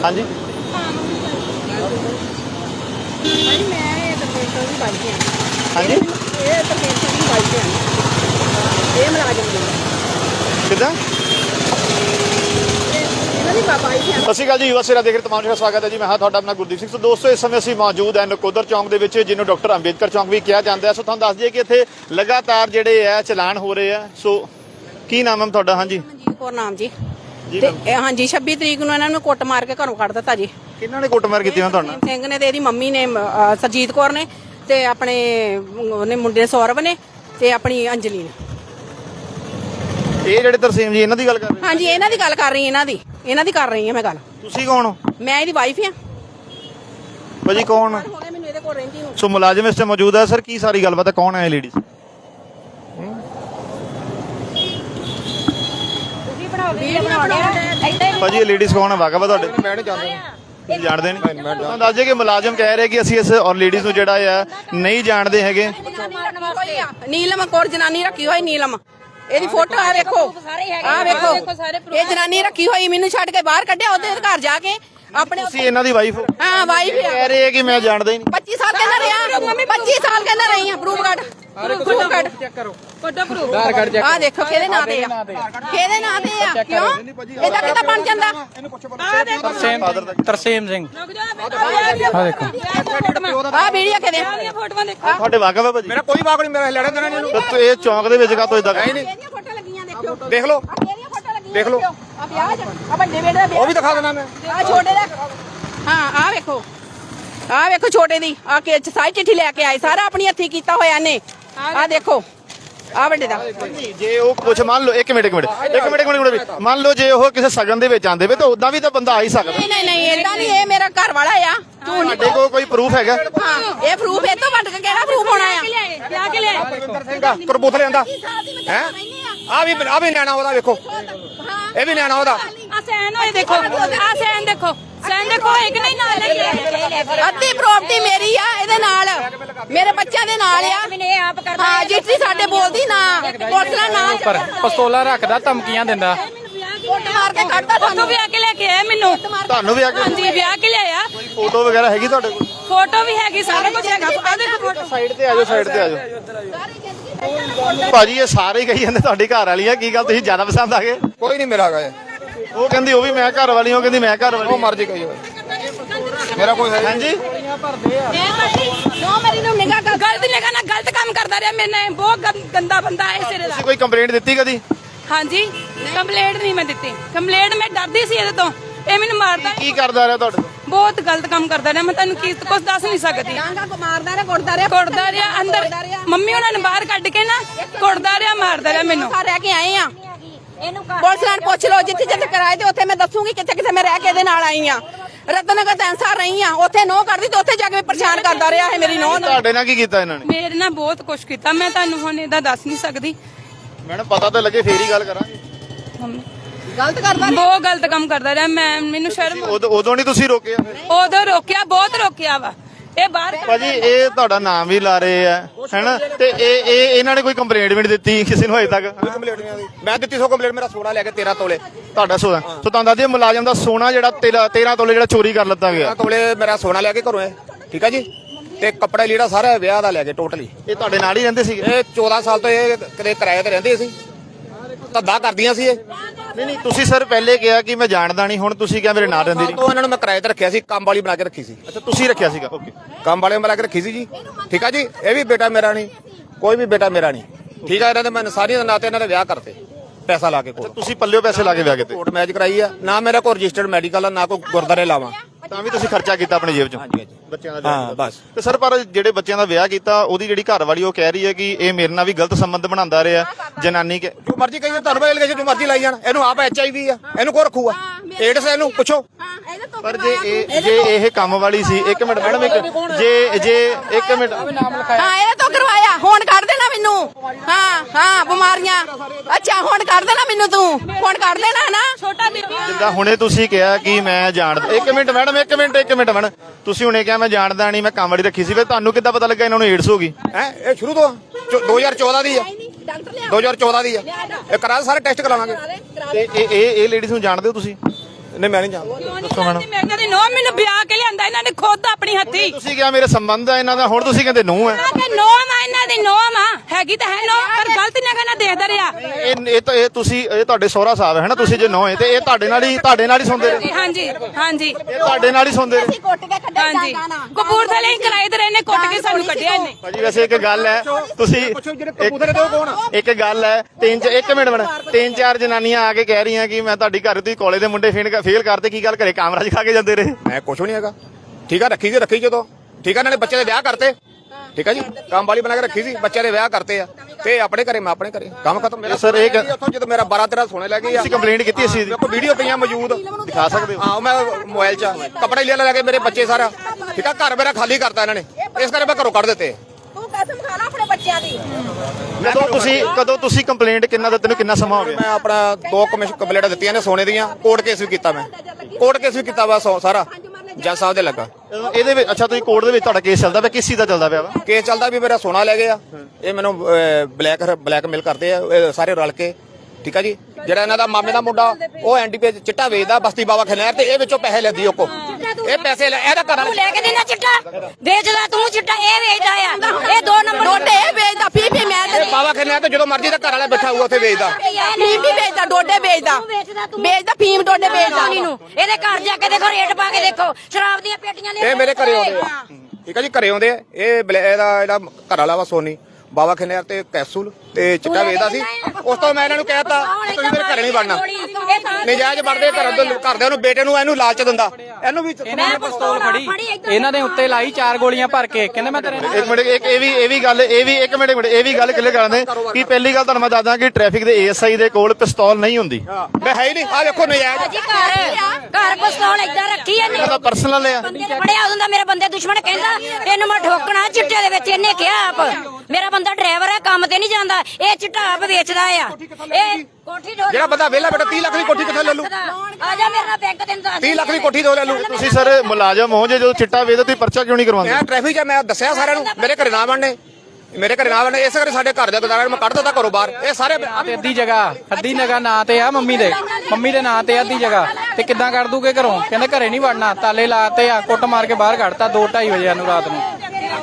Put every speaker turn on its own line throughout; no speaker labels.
हाँ जी हाँ जी किदा ਸਤਿ ਸ਼੍ਰੀ ਅਕਾਲ ਜੀ। ਯੁਵਾ ਸੇਰਾ ਦੇਖ ਰਹੇ ਤਮਾਮ ਦਾ ਸਵਾਗਤ ਹੈ ਜੀ। ਮੈਂ ਹਾਂ ਤੁਹਾਡਾ ਆਪਣਾ ਗੁਰਦੀਪ ਸਿੰਘ। ਸੋ ਦੋਸਤੋ ਇਸ ਸਮੇਂ ਅਸੀਂ ਮੌਜੂਦ ਹਾਂ ਨਕੋਦਰ ਚੌਂਕ ਦੇ ਵਿੱਚ, ਜਿਹਨੂੰ ਡਾਕਟਰ ਅੰਬੇਦਕਰ ਚੌਂਕ ਵੀ ਕਿਹਾ ਜਾਂਦਾ ਹੈ। ਸੋ ਤੁਹਾਨੂੰ ਦੱਸ ਦਈਏ ਕਿ ਇੱਥੇ ਲਗਾਤਾਰ ਜਿਹੜੇ ਆ ਚਲਾਨ ਹੋ ਰਹੇ ਆ। ਸੋ ਕੀ ਨਾਮ ਹੈ ਤੁਹਾਡਾ? ਹਾਂਜੀ
ਮਨਜੀਤ ਕੌਰ ਨਾਮ ਜੀ। ਤੇ ਹਾਂਜੀ 26 ਤਰੀਕ ਨੂੰ ਇਹਨਾਂ ਨੂੰ ਕੁੱਟ ਮਾਰ ਕੇ ਘਰੋਂ ਕੱਢ ਦਿੱਤਾ ਜੀ।
ਕਿਹਨਾਂ ਨੇ ਕੁੱਟਮਾਰ ਕੀਤੀ ਉਹਨਾਂ ਤੁਹਾਡਾ?
ਸਿੰਘ ਨੇ ਤੇ ਇਹਦੀ ਮੰਮੀ ਨੇ ਸਰਜੀਤ ਕੌਰ ਨੇ ਤੇ ਆਪਣੇ ਉਹਨੇ ਮੁੰਡੇ ਸੌਰਵ ਨੇ ਤੇ ਆਪਣੀ ਅੰਜਲੀ ਨੇ।
ਇਹ ਜਿਹੜੇ ਤਰਸੀਮ ਜੀ ਇਹਨਾਂ ਦੀ ਗੱਲ ਕਰ ਰਹੇ?
ਹਾਂਜੀ ਇਹਨਾਂ ਦੀ ਗੱਲ ਕਰ ਰਹੀ, ਇਹਨਾਂ ਦੀ ਕਰ ਰਹੀ ਹਾਂ ਮੈਂ ਗੱਲ।
ਤੁਸੀਂ ਕੌਣ ਹੋ?
ਮੈਂ ਇਹਦੀ ਵਾਈਫ ਆ
ਭਾਜੀ। ਕੌਣ?
ਹੋ ਗਿਆ ਮੈਨੂੰ ਇਹਦੇ ਕੋਲ ਰਹਿੰਦੀ ਨੂੰ।
ਸੋ ਮੁਲਾਜ਼ਮ ਇਸ ਤੇ ਮੌਜੂਦ ਹੈ। ਸਰ ਕੀ ਸਾਰੀ ਗੱਲਬਾਤ ਹੈ? ਕੌਣ ਹੈ ਇਹ ਲੇਡੀਜ਼? ਭਾਜੀ ਇਹ ਲੇਡੀਜ਼ ਕੌਣ ਹੈ? ਵਾਕਫ ਤੁਹਾਡੇ?
ਮੈਂ ਨਹੀਂ ਜਾਣਦਾ।
ਤੁਸੀਂ ਜਾਣਦੇ ਨਹੀਂ? ਤੁਹਾਨੂੰ ਦੱਸ ਦਈਏ ਕਿ ਮੁਲਾਜ਼ਮ ਕਹਿ ਰਹੇ ਕਿ ਅਸੀਂ ਇਸ ਔਰ ਲੇਡੀਜ਼ ਨੂੰ ਜਿਹੜਾ ਆ ਨਹੀਂ ਜਾਣਦੇ ਹੈਗੇ।
ਨੀਲਮ ਕੌਰ ਜਨਾਨੀ ਰੱਖੀ ਹੋਈ। ਨੀਲਮ ਇਹਦੀ ਫੋਟੋ ਆ ਵੇਖੋ, ਆ ਵੇਖੋ ਇਹ ਜਨਾਨੀ ਰੱਖੀ ਹੋਈ। ਮੈਨੂੰ ਛੱਡ ਕੇ ਬਾਹਰ ਕੱਢਿਆ ਉਹਦੇ ਘਰ ਜਾ ਕੇ ਆਪਣੇ।
ਤੁਸੀਂ ਇਹਨਾਂ ਦੀ ਵਾਈਫ ਹੋ?
ਹਾਂ ਵਾਈਫ ਆ।
ਕਹਿ ਰਹੇ ਕਿ ਮੈਂ ਜਾਣਦਾ ਹੀ ਨਹੀਂ।
25 ਸਾਲ ਕਹਿੰਦਾ ਰਿਹਾ। 25 ਸਾਲ ਕਹਿੰਦਾ ਰਹੀ ਆ। ਪ੍ਰੂਫ ਕੱਢ, ਪ੍ਰੂਫ ਕੱਢ, ਚੈੱਕ ਕਰੋ। ਫੋਟੋ ਪ੍ਰੂਫ ਆ ਦੇਖੋ ਕਿਹਦੇ ਨਾਂ ਤੇ ਆ, ਕਿਹਦੇ ਨਾਂ ਤੇ ਆ। ਕਿਉਂ ਇਹਦਾ ਕਿੱਦਾਂ ਬਣ ਜਾਂਦਾ?
ਤਰਸੇਮ ਸਿੰਘ।
ਆ ਦੇਖੋ ਆ ਵੀਡੀਓ ਕਿਹਦੇ ਫੋਟੋਆਂ ਦੇਖੋ।
ਤੁਹਾਡੇ ਵਾਕਫ ਹੈ ਭਾਜੀ?
ਮੇਰਾ ਕੋਈ ਵਾਕ ਨਹੀਂ। ਮੇਰਾ ਲੈਣਾ ਦੇਣਾ ਨਹੀਂ।
ਤਾਂ ਇਹ ਚੌਂਕ ਦੇ ਵਿੱਚ ਕਾ ਤੋਂ ਇਦਾਂ
ਨਹੀਂ
ਇਹਦੀਆਂ ਫੋਟੋ ਲੱਗੀਆਂ ਦੇਖੋ।
ਦੇਖ ਲਓ,
ਇਹਦੀਆਂ ਫੋਟੋ ਲੱਗੀਆਂ
ਦੇਖ ਲਓ।
ਆ ਵਿਆਹ ਆ ਵੱਡੇ ਬੇਟੇ ਦਾ
ਉਹ ਵੀ ਦਿਖਾ ਦੇਣਾ ਮੈਂ।
ਆ ਛੋਟੇ ਦਾ। ਹਾਂ ਆ ਵੇਖੋ, ਆ ਵੇਖੋ ਛੋਟੇ ਦੀ ਆ ਕੇ ਸਾਈ ਚਿੱਠੀ ਲੈ ਕੇ ਆਏ। ਸਾਰਾ ਆਪਣੀ ਹੱਥੀ ਕੀਤਾ ਹੋਇਆ ਨੇ। ਆ ਦੇਖੋ ਆ ਵੱਡੇ ਦਾ।
ਜੇ ਉਹ ਕੁਝ ਮੰਨ ਲਓ, ਇੱਕ ਮਿੰਟ ਮੰਨ ਲਓ ਜੇ ਉਹ ਕਿਸੇ ਸਗਨ ਦੇ ਵਿੱਚ ਆਂਦੇ ਵੇ ਤਾਂ ਉਦਾਂ ਵੀ ਤਾਂ ਬੰਦਾ ਆ ਹੀ ਸਕਦਾ।
ਨਹੀਂ ਏਦਾਂ ਨਹੀਂ। ਇਹ ਮੇਰਾ ਘਰ ਵਾਲਾ ਆ। ਤੂੰ
ਤੁਹਾਡੇ ਕੋਲ ਕੋਈ ਪ੍ਰੂਫ ਹੈਗਾ?
ਹਾਂ ਇਹ ਪ੍ਰੂਫ ਇਹ ਤੋਂ ਵੱਟ ਕੇ ਕਿਹੜਾ ਪ੍ਰੂਫ ਹੋਣਾ ਆ? ਵਿਆਹ ਕੇ ਲਿਆ
ਕਰਬੂਤ ਲਿਆਂਦਾ ਹੈ। ਆ ਵੀ ਨਿਆਣਾ ਉਹਦਾ ਵੇਖੋ। ਇਹ ਵੀ ਨਿਆਣਾ ਉਹਦਾ।
ਆ ਸੈਨ ਹੋਏ ਦੇਖੋ, ਆ ਸੈਨ ਦੇਖੋ, ਸੈਨ ਦੇਖੋ। ਇੱਕ ਨਹੀਂ ਨਾਲ
ਅੱਧੀ ਪ੍ਰਾਪਰਟੀ ਮੇਰੀ ਆ ਇਹਦੇ ਨਾਲ, ਮੇਰੇ ਬੱਚਿਆਂ ਦੇ ਨਾਲ ਆ। ਹਾਂ ਜਿੱਤੀ ਸਾਡੇ ਬੋਲਦੀ ਨਾ ਕੋਟਲਾ ਨਾ
ਪਿਸਤੌਲਾਂ ਰੱਖਦਾ, ਧਮਕੀਆਂ ਦਿੰਦਾ।
ਕੁੱਟ ਮਾਰ ਕੇ ਕੱਢਦਾ
ਫੋਟੋ
ਤੁਹਾਨੂੰ।
ਵਿਆਹ ਕੇ ਲੈ ਕੇ ਆਇਆ ਮੈਨੂੰ।
ਤੁਹਾਨੂੰ ਵੀ ਆ ਕੇ
ਹਾਂਜੀ ਵਿਆਹ ਕੇ ਲਿਆਇਆ।
ਫੋਟੋ ਵਗੈਰਾ ਹੈਗੀ ਤੁਹਾਡੇ ਕੋਲ?
ਫੋਟੋ ਵੀ ਹੈਗੀ, ਸਾਰਾ ਕੁਝ ਹੈਗਾ। ਆ ਦੇਖੋ ਫੋਟੋ।
ਸਾਈਡ ਤੇ ਆ ਜਾਓ, ਸਾਈਡ ਤੇ ਆ ਜਾਓ। ਭਾਜੀ ਇਹ ਸਾਰੇ ਹੀ ਕਹੀ ਜਾਂਦੇ ਤੁਹਾਡੀ ਘਰ ਵਾਲੀ ਆ। ਕੀ ਗੱਲ ਤੁਸੀਂ ਜ਼ਿਆਦਾ ਪਸੰਦ ਆ ਗਏ?
ਕੋਈ ਨਹੀਂ ਮੇਰਾ ਹੈਗਾ।
ਉਹ ਕਹਿੰਦੀ ਉਹ ਵੀ ਮੈਂ ਘਰ ਵਾਲੀ, ਉਹ ਕਹਿੰਦੀ ਮੈਂ ਘਰ ਵਾਲੀ।
ਉਹ ਮਰਜ਼ੀ ਕਹੀ ਹੋਵੇ, ਮੇਰਾ ਕੋਈ ਹੈ
ਹਾਂਜੀ
ਨੋ ਮੇਰੀ ਨੂੰ ਨਿਗਾਹ ਕਰ।
ਗਲਤ ਨਿਗਾਹ ਨਾਲ ਗਲਤ ਕੰਮ ਕਰਦਾ ਰਿਹਾ ਮੇਰੇ ਨਾਲ। ਬਹੁਤ ਗੰਦਾ ਬੰਦਾ ਹੈ ਸਿਰੇ ਦਾ।
ਤੁਸੀਂ ਕੋਈ ਕੰਪਲੇਂਟ ਦਿੱਤੀ ਕਦੀ?
ਹਾਂਜੀ ਕੰਪਲੇਂਟ ਨਹੀਂ ਮੈਂ ਦਿੱਤੀ। ਕੰਪਲੇਂਟ ਮੈਂ ਡਰਦੀ ਸੀ ਇਹਦੇ ਤੋਂ। ਇਹ ਮੈਨੂੰ ਮਾਰਦਾ,
ਕੀ ਕਰਦਾ ਰਿਹਾ ਤੁਹਾਡੇ ਤੋਂ?
ਬਹੁਤ ਗਲਤ ਕੰਮ ਕਰਦਾ ਰਿਹਾ। ਮੈਂ ਤੁਹਾਨੂੰ ਕੁਝ ਦੱਸ ਨਹੀਂ ਸਕਦੀ।
ਡਾਂਗਾ ਕੋ ਮਾਰਦਾ ਰਿਹਾ, ਕੁੱਟਦਾ ਰਿਹਾ,
ਕੁੱਟਦਾ ਰਿਹਾ ਅੰਦਰ। ਮੰਮੀ ਉਹਨਾਂ ਨੇ ਬਾਹਰ ਕੱਢ ਕੇ ਨਾ ਕੁੱਟਦਾ ਰਿਹਾ, ਮਾਰਦਾ ਰਿਹਾ ਮੈਨੂੰ।
ਰਹਿ ਕੇ ਆਏ ਆ। ਪੁਲਿਸ ਨਾਲ ਪੁੱਛ ਲਓ ਜਿੱਥੇ ਜਿੱਥੇ ਕਰਾਏ ਤੇ ਉੱਥੇ ਮੈਂ ਦੱਸੂਗੀ ਕਿੱਥੇ ਕਿੱਥੇ ਮੈਂ ਰਹਿ ਕੇ ਇਹਦੇ ਨਾਲ ਆਈ ਆ। ਰਤਨਗਰ ਤੈਨਸਾ ਰਹੀ ਆ। ਉੱਥੇ ਨੋ ਕਰਦੀ ਤੇ ਉੱਥੇ ਜਾ ਕੇ ਪਰੇਸ਼ਾਨ ਕਰਦਾ ਰਿਹਾ ਹੈ ਮੇਰੀ ਨੋ।
ਤੁਹਾਡੇ ਨਾਲ ਕੀ ਕੀਤਾ ਇਹਨਾਂ ਨੇ?
ਮੇਰੇ ਨਾਲ ਬਹੁਤ ਕੁਝ ਕੀਤਾ। ਮੈਂ ਤੁਹਾਨੂੰ ਹੁਣ ਇਹਦਾ ਦੱਸ ਨਹੀਂ ਸਕਦੀ।
ਮੈਡਮ ਪਤਾ ਤਾਂ ਲੱਗੇ ਫੇਰ ਹੀ ਗੱਲ ਕਰਾਂਗੇ।
ਗਲਤ ਕਰਦਾ
ਬਹੁਤ ਗਲਤ ਕੰਮ ਕਰਦਾ ਰਿਹਾ। ਮੈਨੂੰ ਸ਼ਰਮ
ਉਦੋਂ ਨਹੀਂ ਤੁਸੀਂ ਰੋਕਿਆ ਫਿਰ?
ਉਦੋਂ ਰੋਕਿਆ, ਬਹੁਤ ਰੋਕਿਆ ਵਾ। ਇਹ ਬਾਹਰ
ਭਾਜੀ ਇਹ ਤੁਹਾਡਾ ਨਾਮ ਵੀ ਲਾ ਰਹੇ ਆ ਹੈਨਾ, ਤੇ ਇਹ ਇਹਨਾਂ ਨੇ ਕੋਈ ਕੰਪਲੇਂਟ ਵੀ ਨਹੀਂ ਦਿੱਤੀ ਕਿਸੇ ਨੂੰ ਹਜੇ ਤੱਕ?
ਮੈਂ ਦਿੱਤੀ ਸੋ ਕੰਪਲੇਂਟ। ਮੇਰਾ ਸੋਨਾ ਲੈ ਕੇ 13 ਤੋਲੇ।
ਤੁਹਾਡਾ ਸੋਨਾ? ਸੋ ਤੁਹਾਨੂੰ ਦੱਸਦੇ ਮੁਲਾਜ਼ਮ ਦਾ ਸੋਨਾ ਜਿਹੜਾ 13 ਤੋਲੇ ਜਿਹੜਾ ਚੋਰੀ ਕਰ ਲੱਤਾ ਗਿਆ।
13 ਤੋਲੇ ਮੇਰਾ ਸੋਨਾ ਲੈ ਕੇ ਘਰੋਂ ਹੈ। ਠੀਕ ਹੈ ਜੀ। ਤੇ ਕੱਪੜਾ ਲੀੜਾ ਸਾਰਾ ਵਿਆਹ ਦਾ ਲੈ ਕੇ ਟੋਟਲੀ।
ਇਹ ਤੁਹਾਡੇ ਨਾਲ ਹੀ ਰਹਿੰਦੇ ਸੀਗੇ?
ਇਹ 14 ਸਾਲ ਤੋਂ ਇਹ ਕਿਤੇ ਕਿਰਾਏ ਤੇ ਰਹਿੰਦੇ ਸੀ। ਧੱਦਾ ਕਰਦੀਆਂ ਸੀ ਇਹ।
ਨਹੀਂ ਤੁਸੀਂ ਸਰ ਪਹਿਲੇ ਕਿਹਾ ਕਿ ਮੈਂ ਜਾਣਦਾ ਨਹੀਂ, ਹੁਣ ਤੁਸੀਂ ਕਿਹਾ ਮੇਰੇ ਨਾਲ ਰਹਿੰਦੀ ਨਹੀਂ।
ਤੋਂ ਇਹਨਾਂ ਨੂੰ ਮੈਂ ਕਿਰਾਏ ਤੇ ਰੱਖਿਆ ਸੀ, ਕੰਮ ਵਾਲੀ ਬਣਾ ਕੇ ਰੱਖੀ ਸੀ।
ਅੱਛਾ ਤੁਸੀਂ ਰੱਖਿਆ ਸੀਗਾ? ਓਕੇ।
ਕੰਮ ਵਾਲੇ ਬਣਾ ਕੇ ਰੱਖੀ ਸੀ ਜੀ। ਠੀਕ ਆ ਜੀ। ਇਹ ਵੀ ਬੇਟਾ ਮੇਰਾ ਨਹੀਂ, ਕੋਈ ਵੀ ਬੇਟਾ ਮੇਰਾ ਨਹੀਂ। ਠੀਕ ਆ। ਇਹਨਾਂ ਦੇ ਮੈਂ ਸਾਰੀਆਂ ਦੇ ਨਾਤੇ ਇਹਨਾਂ ਦੇ ਵਿਆਹ ਕਰਤੇ ਪੈਸਾ ਲਾ ਕੇ। ਕੋਲ
ਤੁਸੀਂ ਪੱਲਿਓ ਪੈਸੇ ਲਾ ਕੇ ਵਿਆਹ ਕੀਤੇ?
ਕੋਰਟ ਮੈਚ ਕਰਾਈ ਆ। ਨਾ ਮੇਰਾ ਕੋਈ ਰਜਿਸਟਰਡ ਮੈਡੀਕਲ ਆ, ਨਾ ਕੋਈ ਗੁਰਦਾਰੇ ਲਾਵਾਂ।
ਤਾਂ ਵੀ ਤੁਸੀਂ ਖਰਚਾ ਕੀਤਾ ਆਪਣੀ ਜੇਬ ਚੋਂ?
ਹਾਂਜੀ
ਬੱਚਿਆਂ ਦਾ?
ਹਾਂ ਬਸ।
ਤੇ ਸਰ ਪਰ ਜਿਹੜੇ ਬੱਚਿਆਂ ਦਾ ਵਿਆਹ ਕੀਤਾ ਉਹਦੀ ਜਿਹੜੀ ਘਰ ਵਾਲੀ ਉਹ ਕਹਿ ਰਹੀ ਹੈ ਕਿ ਇਹ ਮੇਰੇ ਨਾਲ ਵੀ ਗਲਤ ਸੰਬੰਧ ਬਣਾਉਂਦਾ ਰਿਹਾ ਜਨਾਨੀ ਕੇ।
ਜੋ ਮਰਜ਼ੀ ਕਹੀਏ, ਤੁਹਾਨੂੰ ਐਲੀਗੇਸ਼ਨ ਜੋ ਮਰਜ਼ੀ ਲਾਈ ਜਾਣ। ਇਹਨੂੰ ਆਪ HIV ਆ। ਇਹਨੂੰ ਕੋ ਰੱਖੂਗਾ? ਏਡਸ ਇਹਨੂੰ ਪੁੱਛੋ।
ਪਰ ਜੇ ਇਹ ਕੰਮ ਵਾਲੀ ਸੀ। ਇੱਕ ਮਿੰਟ ਮੈਡਮ, ਇੱਕ ਮਿੰਟ।
ਹਾਂ ਇਹਦੇ ਤੋਂ ਕਰਵਾਇਆ। ਹੁਣ ਕੱਢ ਦੇਣਾ ਮੈਨੂੰ। ਹਾਂ ਬਿਮਾਰੀਆਂ। ਅੱਛਾ ਹੁਣ ਕੱਢ ਦੇਣਾ ਮੈਨੂੰ। ਤੂੰ ਹੁਣ ਕੱਢ ਦੇਣਾ ਨਾ।
ਛੋਟਾ ਬੀਬੀ
ਜਿੱਦਾਂ ਹੁਣੇ ਤੁਸੀਂ ਕਿਹਾ ਕਿ ਮੈਂ ਜਾਣਦਾ। ਇੱਕ ਮਿੰਟ ਮੈਡਮ ਤੁਸੀਂ ਹੁਣੇ ਕਿਹਾ ਮੈਂ ਜਾਣਦਾ ਨਹੀਂ, ਮੈਂ ਕੰਮ ਵਾਲੀ ਰੱਖੀ ਸੀ। ਫਿਰ ਤੁਹਾਨੂੰ ਕਿੱਦਾਂ ਪਤਾ ਲੱਗਾ ਇਹਨਾਂ ਨੂੰ ਏਡਸ ਹੋ ਗਈ?
ਹੈ ਇਹ ਸ਼ੁਰੂ ਤੋਂ 2014 ਦੀ ਆ। 2014 ਦੀ ਆ। ਇਹ ਕਰਾ ਸਾਰੇ ਟੈਸਟ ਕਰਾਵਾਂਗੇ।
ਤੇ ਇਹ ਲੇਡੀਜ਼ ਨੂੰ ਜਾਣਦੇ ਹੋ ਤੁਸੀਂ?
ਨਹੀਂ ਮੈਂ ਨਹੀਂ ਜਾਣਦਾ।
ਦੱਸੋ ਮੈਡਮ।
ਮੈਂ ਇਹਨਾਂ ਦੀ ਨੋ ਮੈਨੂੰ ਵਿਆਹ ਕੇ ਲਿਆਂਦਾ ਇਹਨਾਂ ਨੇ ਖੁਦ ਆਪਣੀ ਹੱਥੀ।
ਤੁਸੀਂ ਕਿਹਾ ਮੇਰੇ ਸੰਬੰਧ ਆ ਇਹਨਾਂ ਦਾ, ਹੁਣ ਤੁਸੀਂ ਕਹਿੰਦੇ ਨੂੰਹ ਹੈ।
ਤੇ ਨੋ ਮਾ ਇਹਨਾਂ ਦੀ ਨੋ ਮਾ ਹੈਗੀ ਤਾਂ ਹੈ ਨੋ, ਪਰ ਗਲਤ ਨਾ ਕਰਨਾ ਦੇਖਦਾ ਰਿਹਾ।
ਇਹ ਤੁਸੀਂ ਇਹ ਤੁਹਾਡੇ ਸਹੁਰਾ ਸਾਹਿਬ ਹੈ ਨਾ, ਤੁਸੀਂ ਜੇ ਨੂੰਹ ਹੈ ਤੇ ਇਹ ਤੁਹਾਡੇ ਨਾਲ ਹੀ ਸੌਂਦੇ ਰਹੇ।
ਹਾਂਜੀ ਹਾਂਜੀ
ਇਹ ਤੁਹਾਡੇ ਨਾਲ ਹੀ ਸੌਂਦੇ ਰਹੇ।
ਅਸੀਂ ਕੁੱਟ ਕੇ ਕੱਢਿਆ
ਹਾਂਜੀ
ਜਾਂਦਾ ਨਾ
ਕਪੂਰਥਲੇ ਹੀ ਕਿਰਾਏ ਤੇ ਰਹਿੰਦੇ, ਕੁੱਟ ਕੇ ਸਾਨੂੰ ਕੱਢਿਆ ਇਹਨੇ।
ਭਾਜੀ ਵੈਸੇ ਇੱਕ ਗੱਲ ਹੈ, ਤੁਸੀਂ ਇੱਕ ਗੱਲ ਹੈ, ਇੱਕ ਮਿੰਟ ਤਿੰਨ ਚਾਰ ਜਨਾਨੀਆਂ ਆ ਕੇ ਕਹਿ ਰਹੀਆਂ ਕਿ ਮੈਂ ਤੁਹਾਡੀ ਘਰ ਤੁਸੀਂ ਕਾਲਜ ਦੇ ਮੁੰਡੇ ਫੇਲ ਕਰਦੇ, ਕੀ ਗੱਲ ਘਰੇ ਕਾਮਰਾ 'ਚ ਖਾ ਕੇ ਜਾਂਦੇ ਰਹੇ।
ਮੈਂ ਕੁਛ ਨਹੀਂ ਹੈਗਾ। ਠੀਕ ਆ, ਰੱਖੀ ਜਦੋਂ ਠੀਕ ਆ, ਨਾਲੇ ਬੱਚੇ ਦੇ ਵਿਆਹ ਕਰਤੇ। ਠੀਕ ਆ ਜੀ, ਕੰਮ ਵਾਲੀ ਬਣਾ ਕੇ ਰੱਖੀ ਸੀ, ਬੱਚੇ ਦੇ ਵਿਆਹ ਕਰਤੇ ਆ ਤੇ ਆਪਣੇ ਘਰੇ ਮੈਂ ਆਪਣੇ ਘਰੇ ਕੰਮ ਖਤਮ। ਮੇਰਾ
ਸਰ ਇਹ
ਉੱਥੋਂ ਜਦੋਂ ਮੇਰਾ 12-13 ਸੋਨੇ ਲੈ ਗਏ ਆ।
ਤੁਸੀਂ ਕੰਪਲੇਂਟ ਕੀਤੀ ਸੀ?
ਦੇਖੋ ਵੀਡੀਓ ਪਈਆਂ ਮੌਜੂਦ,
ਦਿਖਾ ਸਕਦੇ ਹੋ?
ਹਾਂ ਮੈਂ ਮੋਬਾਈਲ 'ਚ ਕੱਪੜੇ ਲੈ ਕੇ ਮੇਰੇ ਬੱਚੇ ਸਾਰਾ ਠੀਕ ਆ, ਘਰ ਮੇਰਾ ਖਾਲੀ ਕਰਤਾ ਇਹਨਾਂ ਨੇ, ਇਸ ਕਰਕੇ ਮੈਂ ਘਰੋਂ ਕੱਢ ਦਿੱਤੇ।
ਤੂੰ ਕਸਮ ਖਾ ਲੈ ਆਪਣੇ ਬੱਚਿਆਂ ਦੀ।
ਕਦੋਂ ਤੁਸੀਂ ਕੰਪਲੇਂਟ ਤੈਨੂੰ ਕਿੰਨਾ ਸਮਾਂ ਹੋ ਗਿਆ?
ਮੈਂ ਆਪਣਾ 2 ਕੰਪਲੇਂਟਾਂ ਦਿੱਤੀਆਂ ਨੇ ਸੋਨੇ ਦੀਆਂ, ਕੋਰਟ ਕੇਸ ਵੀ ਕੀਤਾ, ਮੈਂ ਕੋਰਟ ਕੇਸ ਵੀ ਕੀਤਾ ਵਾ ਸਾਰਾ ਜੱਜ ਸਾਹਿਬ ਦੇ ਲੱਗਾ।
ਇਹਦੇ ਵਿੱਚ ਅੱਛਾ ਤੁਸੀਂ ਕੋਰਟ ਦੇ ਵਿੱਚ ਤੁਹਾਡਾ ਕੇਸ ਚੱਲਦਾ ਪਿਆ, ਕਿਸ ਚੀਜ਼ ਦਾ ਚੱਲਦਾ ਪਿਆ ਵਾ?
ਕੇਸ ਚੱਲਦਾ ਵੀ ਮੇਰਾ ਸੋਨਾ ਲੈ ਗਏ ਆ, ਇਹ ਮੈਨੂੰ ਬਲੈਕਮੇਲ ਕਰਦੇ ਆ ਇਹ ਸਾਰੇ ਰਲ ਕੇ। ਠੀਕ ਆ ਜੀ, ਜਿਹੜਾ ਇਹਨਾਂ ਦਾ ਮਾਮੇ ਦਾ ਮੁੰਡਾ ਉਹ ਐਨਡੀਪੀ ਚਿੱਟਾ ਵੇਚਦਾ ਬਸਤੀ ਬਾਬਾ ਖਨੈਰ ਤੇ ਇਹ ਵਿੱਚੋਂ ਪੈਸੇ ਲੈਂਦੀ ਉਹ ਕੋ, ਇਹ ਪੈਸੇ ਇਹਦਾ ਘਰ
ਤੂੰ ਲੈ ਕੇ ਦੇਣਾ ਚਿੱਟਾ ਵੇਚਦਾ, ਤੂੰ ਚਿੱਟਾ ਇਹ ਵੇਚਦਾ ਆ, ਇਹ 2 ਨੰਬਰ
ਡੋਡੇ ਇਹ ਵੇਚਦਾ, ਫੀਫੀ ਮੈਂ ਤੇ
ਬਾਬਾ ਖਨੈਰ ਤੇ ਜਦੋਂ ਮਰਜ਼ੀ ਦਾ ਘਰ ਵਾਲਾ ਬੈਠਾ ਹੋਊਗਾ ਉੱਥੇ ਵੇਚਦਾ।
ਫੀਮ ਵੀ ਵੇਚਦਾ, ਡੋਡੇ ਵੇਚਦਾ, ਵੇਚਦਾ ਫੀਮ ਡੋਡੇ ਵੇਚਦਾ।
ਨੂੰ ਇਹਦੇ ਘਰ ਜਾ ਕੇ ਦੇਖੋ, ਰੇਟ ਪਾ ਕੇ ਦੇਖੋ, ਸ਼ਰਾਬ ਦੀਆਂ ਪੇਟੀਆਂ
ਇਹ ਮੇਰੇ ਘਰੇ ਆਉਂਦੇ ਆ। ਠੀਕ ਆ ਜੀ, ਘਰੇ ਆਉਂਦੇ ਆ। ਇਹ ਇਹਦਾ ਜਿਹੜਾ ਘਰ ਵਾਲਾ ਵਾ ਸੋਨੀ ਬਾਬਾ ਖਨੈਰ ਤੇ ਕੈਪਸੂਲ ਤੇ ਚਿੱਟਾ ਵੇਚਦਾ ਸੀ। ਉਸ ਤੋਂ ਮੈਂ ਇਹਨਾਂ ਨੂੰ ਕਹਿਤਾ ਤੁਸੀਂ ਮੇਰੇ ਘਰੇ ਨਹੀਂ ਵੜਨਾ, ਨਜਾਇਜ਼ ਵੜਦੇ ਘਰਦਿਆਂ ਨੂੰ, ਬੇਟੇ ਨੂੰ ਇਹਨੂੰ ਲਾਲਚ ਦਿੰਦਾ, ਇਹਨੂੰ ਵੀ
ਇਹਨਾਂ ਨੇ ਪਿਸਤੌਲ ਫੜੀ, ਇਹਨਾਂ ਦੇ ਉੱਤੇ ਲਾਈ 4 ਗੋਲੀਆਂ ਭਰ ਕੇ, ਕਹਿੰਦੇ ਮੈਂ ਤੇਰੇ ਨਾਲ।
ਇੱਕ ਮਿੰਟ ਇਹ ਵੀ ਗੱਲ ਕਲੀਅਰ ਕਰਦੇ ਕਿ ਪਹਿਲੀ ਗੱਲ ਤੁਹਾਨੂੰ ਮੈਂ ਦੱਸਦਾ ਕਿ ਟ੍ਰੈਫਿਕ ਦੇ ਏਐਸਆਈ ਦੇ ਕੋਲ ਪਿਸਤੌਲ ਨਹੀਂ ਹੁੰਦੀ।
ਮੈਂ ਹੈ ਹੀ ਨਹੀਂ। ਆ ਦੇਖੋ ਨਜਾਇਜ਼
ਜੀ ਘਰ ਪਿਸਤੌਲ ਏਦਾਂ ਰੱਖੀ ਇਹਨੇ,
ਇਹਦਾ ਪਰਸਨਲ ਆ।
ਬੰਦੇ ਨੇ ਫੜਿਆ ਉਦੋਂ ਦਾ ਮੇਰੇ ਬੰਦੇ ਦੁਸ਼ਮਣ ਕਹਿੰਦਾ ਇਹਨੂੰ ਮੈਂ ਠੋਕਣਾ ਚਿੱਟੇ ਦੇ ਵਿੱਚ, ਇਹਨੇ ਕਿਹਾ ਆਪ ਮੇਰਾ ਬੰਦਾ ਡਰਾਈਵਰ ਹੈ, ਕੰਮ ਤੇ ਨਹੀਂ ਜਾਂਦਾ, ਇਹ ਚਿੱਟਾ ਆਪ ਵੇਚਦਾ ਆ। ਇਹ ਕੋਠੀ ਢੋ
ਜਿਹੜਾ ਬੰਦਾ ਵਿਹਲਾ ਬੈਠਾ 30 ਲੱਖ ਦੀ ਕੋਠੀ ਕਿੱਥੇ ਲੈ ਲੂ?
ਆ ਜਾ ਮੇਰੇ ਨਾਲ ਬੈਂਕ ਤੈਨੂੰ ਦੱਸ
30 ਲੱਖ ਦੀ ਕੋਠੀ ਦੋ ਲੈ ਲੂ।
ਤੁਸੀਂ ਸਰ ਮੁਲਾਜ਼ਮ ਹੋ, ਜੇ ਜਦੋਂ ਚਿੱਟਾ ਵੇਚਦੇ ਤੁਸੀਂ ਪਰਚਾ ਕਿਉਂ ਨਹੀਂ ਕਰਵਾਉਂਦੇ?
ਮੈਂ ਟ੍ਰੈਫਿਕ 'ਚ ਮੈਂ ਦੱਸਿਆ ਸਾਰਿਆਂ ਨੂੰ ਮੇਰੇ ਘਰੇ ਨਾ ਵੜਨੇ, ਇਸ ਕਰਕੇ ਸਾਡੇ ਘਰ ਦੇ ਗੁਜ਼ਾਰਾ ਮੈਂ ਕੱਢ ਦਿੱਤਾ ਘਰੋਂ ਬਾਹਰ। ਇਹ ਸਾਰੇ
ਅੱਧੀ ਜਗ੍ਹਾ ਨਾਂ ਤੇ ਆ, ਮੰਮੀ ਦੇ ਨਾਂ ਤੇ ਅੱਧੀ ਜਗ੍ਹਾ, ਤੇ ਕਿੱਦਾਂ ਕੱਢ ਦੂਗੇ ਘਰੋਂ? ਕਹਿੰਦੇ ਘਰੇ ਨਹੀਂ ਵੜਨਾ, ਤਾਲੇ ਲਾਤੇ ਆ, ਕੁੱਟ ਮਾਰ ਕੇ ਬਾਹਰ ਕੱਢਤਾ 2:30 ਵਜੇ ਨੂੰ ਰਾਤ ਨੂੰ।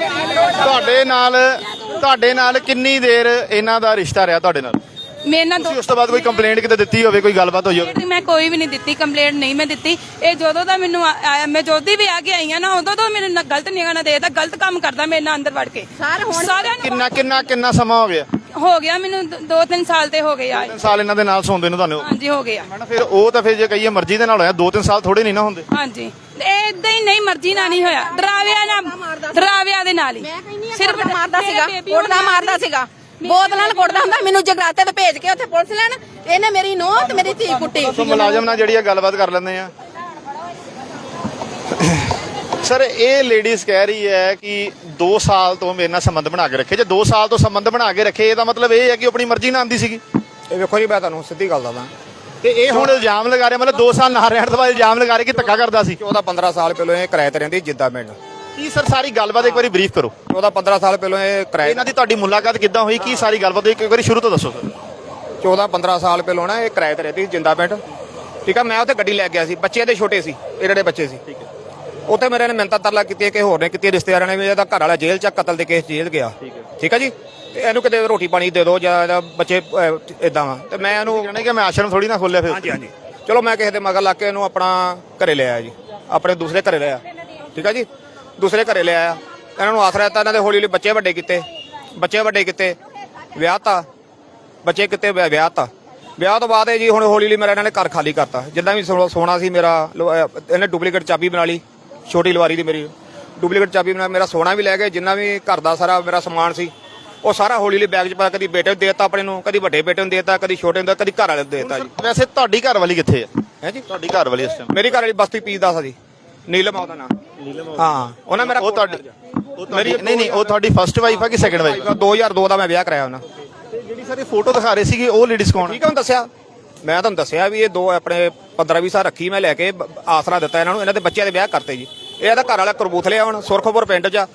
ਤੁਹਾਡੇ ਨਾਲ ਕਿੰਨੀ ਦੇਰ ਇਹਨਾਂ ਦਾ ਰਿਸ਼ਤਾ ਰਿਹਾ ਤੁਹਾਡੇ ਨਾਲ?
ਮੇਰੇ ਨਾਲ
ਤੁਸੀਂ ਉਸ ਤੋਂ ਬਾਅਦ ਕੋਈ ਕੰਪਲੇਂਟ ਕਿਤੇ ਦਿੱਤੀ ਹੋਵੇ, ਕੋਈ ਗੱਲਬਾਤ ਹੋਈ ਹੋਵੇ?
ਮੈਂ ਕੋਈ ਵੀ ਨਹੀਂ ਦਿੱਤੀ ਕੰਪਲੇਂਟ, ਨਹੀਂ ਮੈਂ ਦਿੱਤੀ। ਇਹ ਜਦੋਂ ਦਾ ਮੈਨੂੰ ਆਇਆ, ਮੈਂ ਜੋਦੀ ਵੀ ਆ ਕੇ ਆਈ ਆ ਨਾ, ਉਦੋਂ ਤੋਂ ਮੇਰੇ ਨਾਲ ਗਲਤ ਨਿਗਾਹ ਦੇਦਾ, ਗਲਤ ਕੰਮ ਕਰਦਾ ਮੇਰੇ ਨਾਲ ਅੰਦਰ ਵੜ ਕੇ। ਸਾਰਿਆਂ ਨੂੰ
ਕਿੰਨਾ ਸਮਾਂ
ਹੋ ਗਿਆ ਮੈਨੂੰ 2-3 ਸਾਲ ਤੇ ਹੋ ਗਏ ਆ।
3 ਸਾਲ ਇਹਨਾਂ ਦੇ ਨਾਲ ਸੌਂਦੇ ਨੂੰ ਤੁਹਾਨੂੰ?
ਹਾਂਜੀ ਹੋ ਗਿਆ।
ਫਿਰ ਉਹ ਤਾਂ ਫਿਰ ਜੇ ਕਹੀਏ ਮਰਜ਼ੀ ਦੇ ਨਾਲ ਹੋਇਆ, 2-3 ਸਾਲ ਥੋੜੇ ਨਹੀਂ ਨਾ ਹੁੰਦੇ।
ਹਾਂਜੀ ਏਦਾਂ ਹੀ ਨਹੀਂ, ਮਰਜ਼ੀ ਨਾਲ ਨਹੀਂ ਹੋਇਆ, ਡਰਾਵਿਆਂ ਦੇ ਨਾਲ ਹੀ।
ਸਿਰਫ ਮਾਰਦਾ ਸੀਗਾ, ਕੁੱਟਦਾ ਮਾਰਦਾ ਸੀਗਾ, ਬੋਤਲਾਂ ਨਾਲ ਕੁੱਟਦਾ ਹੁੰਦਾ। ਮੈਨੂੰ ਜਗਰਾਤੇ ਤੇ ਭੇਜ ਕੇ ਉੱਥੇ ਪੁਲਿਸ ਲੈਣ, ਇਹਨੇ ਮੇਰੀ ਨੂੰਹ ਤੇ ਮੇਰੀ ਧੀ ਕੁੱਟੀ।
ਸੋ ਮੁਲਾਜ਼ਮ ਨਾਲ ਜਿਹੜੀ ਆ ਗੱਲਬਾਤ ਕਰ ਲੈਂਦੇ ਆ। ਸਰ ਇਹ ਲੇਡੀਜ਼ ਕਹਿ ਰਹੀ ਹੈ ਕਿ 2 ਸਾਲ ਤੋਂ ਮੇਰੇ ਨਾਲ ਸੰਬੰਧ ਬਣਾ ਕੇ ਰੱਖੇ। ਜੇ 2 ਸਾਲ ਤੋਂ ਸੰਬੰਧ ਬਣਾ ਕੇ ਰੱਖੇ, ਇਹਦਾ ਮਤਲਬ ਇਹ ਹੈ ਕਿ ਆਪਣੀ ਮਰਜ਼ੀ ਨਾਲ ਆਂਦੀ ਸੀਗੀ।
ਇਹ ਵੇਖੋ ਜੀ, ਮੈਂ ਤੁਹਾਨੂੰ ਸਿੱਧੀ ਗੱਲ ਦੱਸਦਾ,
ਤੇ ਇਹ ਹੁਣ ਇਲਜ਼ਾਮ ਲਗਾ ਰਿਹਾ, ਮਤਲਬ 2 ਸਾਲ ਨਾ ਰਹਿਣ ਤੋਂ ਬਾਅਦ ਇਲਜ਼ਾਮ ਲਗਾ ਰਹੇ ਕਿ ਧੱਕਾ ਕਰਦਾ ਸੀ।
14-15 ਸਾਲ ਪਹਿਲਾਂ ਇਹ ਕਿਰਾਏ ਤੇ ਰਹਿੰਦੀ ਜਿੱਦਾਂ ਪਿੰਡ।
ਕੀ ਸਰ ਸਾਰੀ ਗੱਲਬਾਤ ਇੱਕ ਵਾਰੀ ਬਰੀਫ ਕਰੋ।
14-15 ਸਾਲ ਪਹਿਲਾਂ ਇਹ ਕਿਰਾਏ,
ਇਹਨਾਂ ਦੀ ਤੁਹਾਡੀ ਮੁਲਾਕਾਤ ਕਿੱਦਾਂ ਹੋਈ, ਕੀ ਸਾਰੀ ਗੱਲਬਾਤ ਇੱਕ ਵਾਰੀ ਸ਼ੁਰੂ ਤੋਂ ਦੱਸੋ ਸਰ।
14-15 ਸਾਲ ਪਹਿਲਾਂ ਨਾ ਇਹ ਕਿਰਾਏ ਤੇ ਰਹਿੰਦੀ ਜਿੰਦਾ ਪਿੰਡ। ਠੀਕ ਆ, ਮੈਂ ਉੱਥੇ ਗੱਡੀ ਲੈ ਗਿਆ ਸੀ, ਬੱਚੇ ਦੇ ਛੋਟੇ ਸੀ, ਇਹਨਾਂ ਦੇ ਬੱਚੇ ਸੀ। ਉੱਥੇ ਮੇਰੇ ਨੇ ਮਿੰਨਤਾਂ ਤਰਲਾ ਕੀਤੀ, ਕਿ ਹੋਰ ਨੇ ਕੀਤੀ, ਰਿਸ਼ਤੇਦਾਰਾਂ ਨੇ ਵੀ, ਇਹਦਾ ਘਰ ਵਾਲਾ ਜੇਲ੍ਹ 'ਚ ਕਤਲ ਦੇ ਕੇਸ ਜੇਲ੍ਹ ਗਿਆ। ਠੀਕ ਆ ਜੀ, ਤੇ ਇਹਨੂੰ ਕਿਤੇ ਰੋਟੀ ਪਾਣੀ ਦੇ ਦਿਓ ਜਾਂ ਬੱਚੇ ਇਦਾਂ ਵਾ। ਤੇ ਮੈਂ ਇਹਨੂੰ
ਕਹਿਣਾ ਕਿ ਮੈਂ ਆਸ਼ਰਮ ਥੋੜੀ ਨਾ ਖੋਲਿਆ ਫਿਰ।
ਹਾਂਜੀ ਚਲੋ ਮੈਂ ਕਿਸੇ ਦੇ ਮਗਰ ਲੱਗ ਕੇ ਇਹਨੂੰ ਆਪਣਾ ਘਰੇ ਲੈ ਆਇਆ ਜੀ, ਆਪਣੇ ਦੂਸਰੇ ਘਰੇ ਲਿਆ। ਠੀਕ ਆ ਜੀ, ਦੂਸਰੇ ਘਰੇ ਲੈ ਆਇਆ, ਇਹਨਾਂ ਨੂੰ ਆਸਰਾ ਦਿੱਤਾ, ਇਹਨਾਂ ਦੇ ਹੌਲੀ ਬੱਚੇ ਵੱਡੇ ਕੀਤੇ, ਵਿਆਹਤਾ, ਬੱਚੇ ਕਿਤੇ ਵਿਆਹਤਾ। ਵਿਆਹ ਤੋਂ ਬਾਅਦ ਜੀ ਹੁਣ ਹੌਲੀ ਮੇਰਾ ਇਹਨਾਂ ਨੇ ਘਰ ਖਾਲੀ ਕਰਤਾ। ਜਿੱਦਾਂ ਵੀ ਸੋਨਾ ਸੀ ਮੇਰਾ, ਇਹਨੇ ਡੁਪਲੀਕੇਟ ਚਾਬੀ ਬਣਾ ਲਈ, ਛੋਟੀ ਲਵਾਰੀ ਦੀ ਮੇਰੀ ਡੁਪਲੀਕੇਟ ਚਾਬੀ ਬਣਾ, ਮੇਰਾ ਸੋਨਾ ਵੀ ਲੈ ਗਏ, ਜਿੰਨਾ ਵੀ ਘਰ ਦਾ ਸਾਰਾ ਮੇਰਾ ਸਮਾਨ ਸੀ ਉਹ ਸਾਰਾ ਹੌਲੀ ਬੈਗ 'ਚ ਪਾ, ਕਦੀ ਬੇਟੇ ਨੂੰ ਦੇਤਾ ਆਪਣੇ ਨੂੰ, ਕਦੀ ਵੱਡੇ ਬੇਟੇ ਨੂੰ ਦੇਤਾ, ਕਦੀ ਛੋਟੇ ਨੂੰ, ਕਦੀ ਘਰ ਵਾਲੇ ਨੂੰ ਦੇਤਾ ਜੀ।
ਵੈਸੇ ਤੁਹਾਡੀ ਘਰ ਵਾਲੀ ਕਿੱਥੇ
ਹੈ ਜੀ?
ਤੁਹਾਡੀ ਘਰ ਵਾਲੀ ਇਸ ਟਾਈਮ?
ਮੇਰੀ ਘਰ ਵਾਲੀ ਬਸਤੀ ਪੀਸ ਦਾ ਸੀ, ਨੀਲਮ ਆ ਉਹਦਾ ਨਾਮ। ਹਾਂ, ਉਹਨਾਂ ਮੇਰਾ
ਉਹ ਤੁਹਾਡੀ ਨਹੀਂ ਉਹ ਤੁਹਾਡੀ ਫਰਸਟ ਵਾਈਫ ਆ ਕਿ ਸੈਕੰਡ ਵਾਈਫ?
2002 ਦਾ ਮੈਂ ਵਿਆਹ ਕਰਾਇਆ ਉਹਨਾਂ।
ਜਿਹੜੀ ਸਾਰੀ ਫੋਟੋ ਦਿਖਾ ਰਹੇ ਸੀਗੇ ਉਹ ਲੇਡੀਜ਼ ਕੌਣ?
ਠੀਕ ਆ, ਮੈਂ ਤੁਹਾਨੂੰ ਦੱਸਿਆ ਵੀ ਇਹ 2 ਆਪਣੇ 15-20 ਸਾਲ ਰੱਖੀ, ਮੈਂ ਲੈ ਕੇ ਆਸਰਾ ਦਿੱਤਾ ਇਹਨਾਂ ਨੂੰ, ਇਹਨਾਂ ਦੇ ਬੱਚਿਆਂ ਦੇ ਵਿਆਹ ਕਰਤੇ ਜੀ। ਇਹ ਇਹਦਾ ਘਰ ਵਾਲਾ ਕਰਬੂਥਲੇ ਆ, ਹੁਣ ਸੁਰਖਪੁਰ ਪਿੰਡ 'ਚ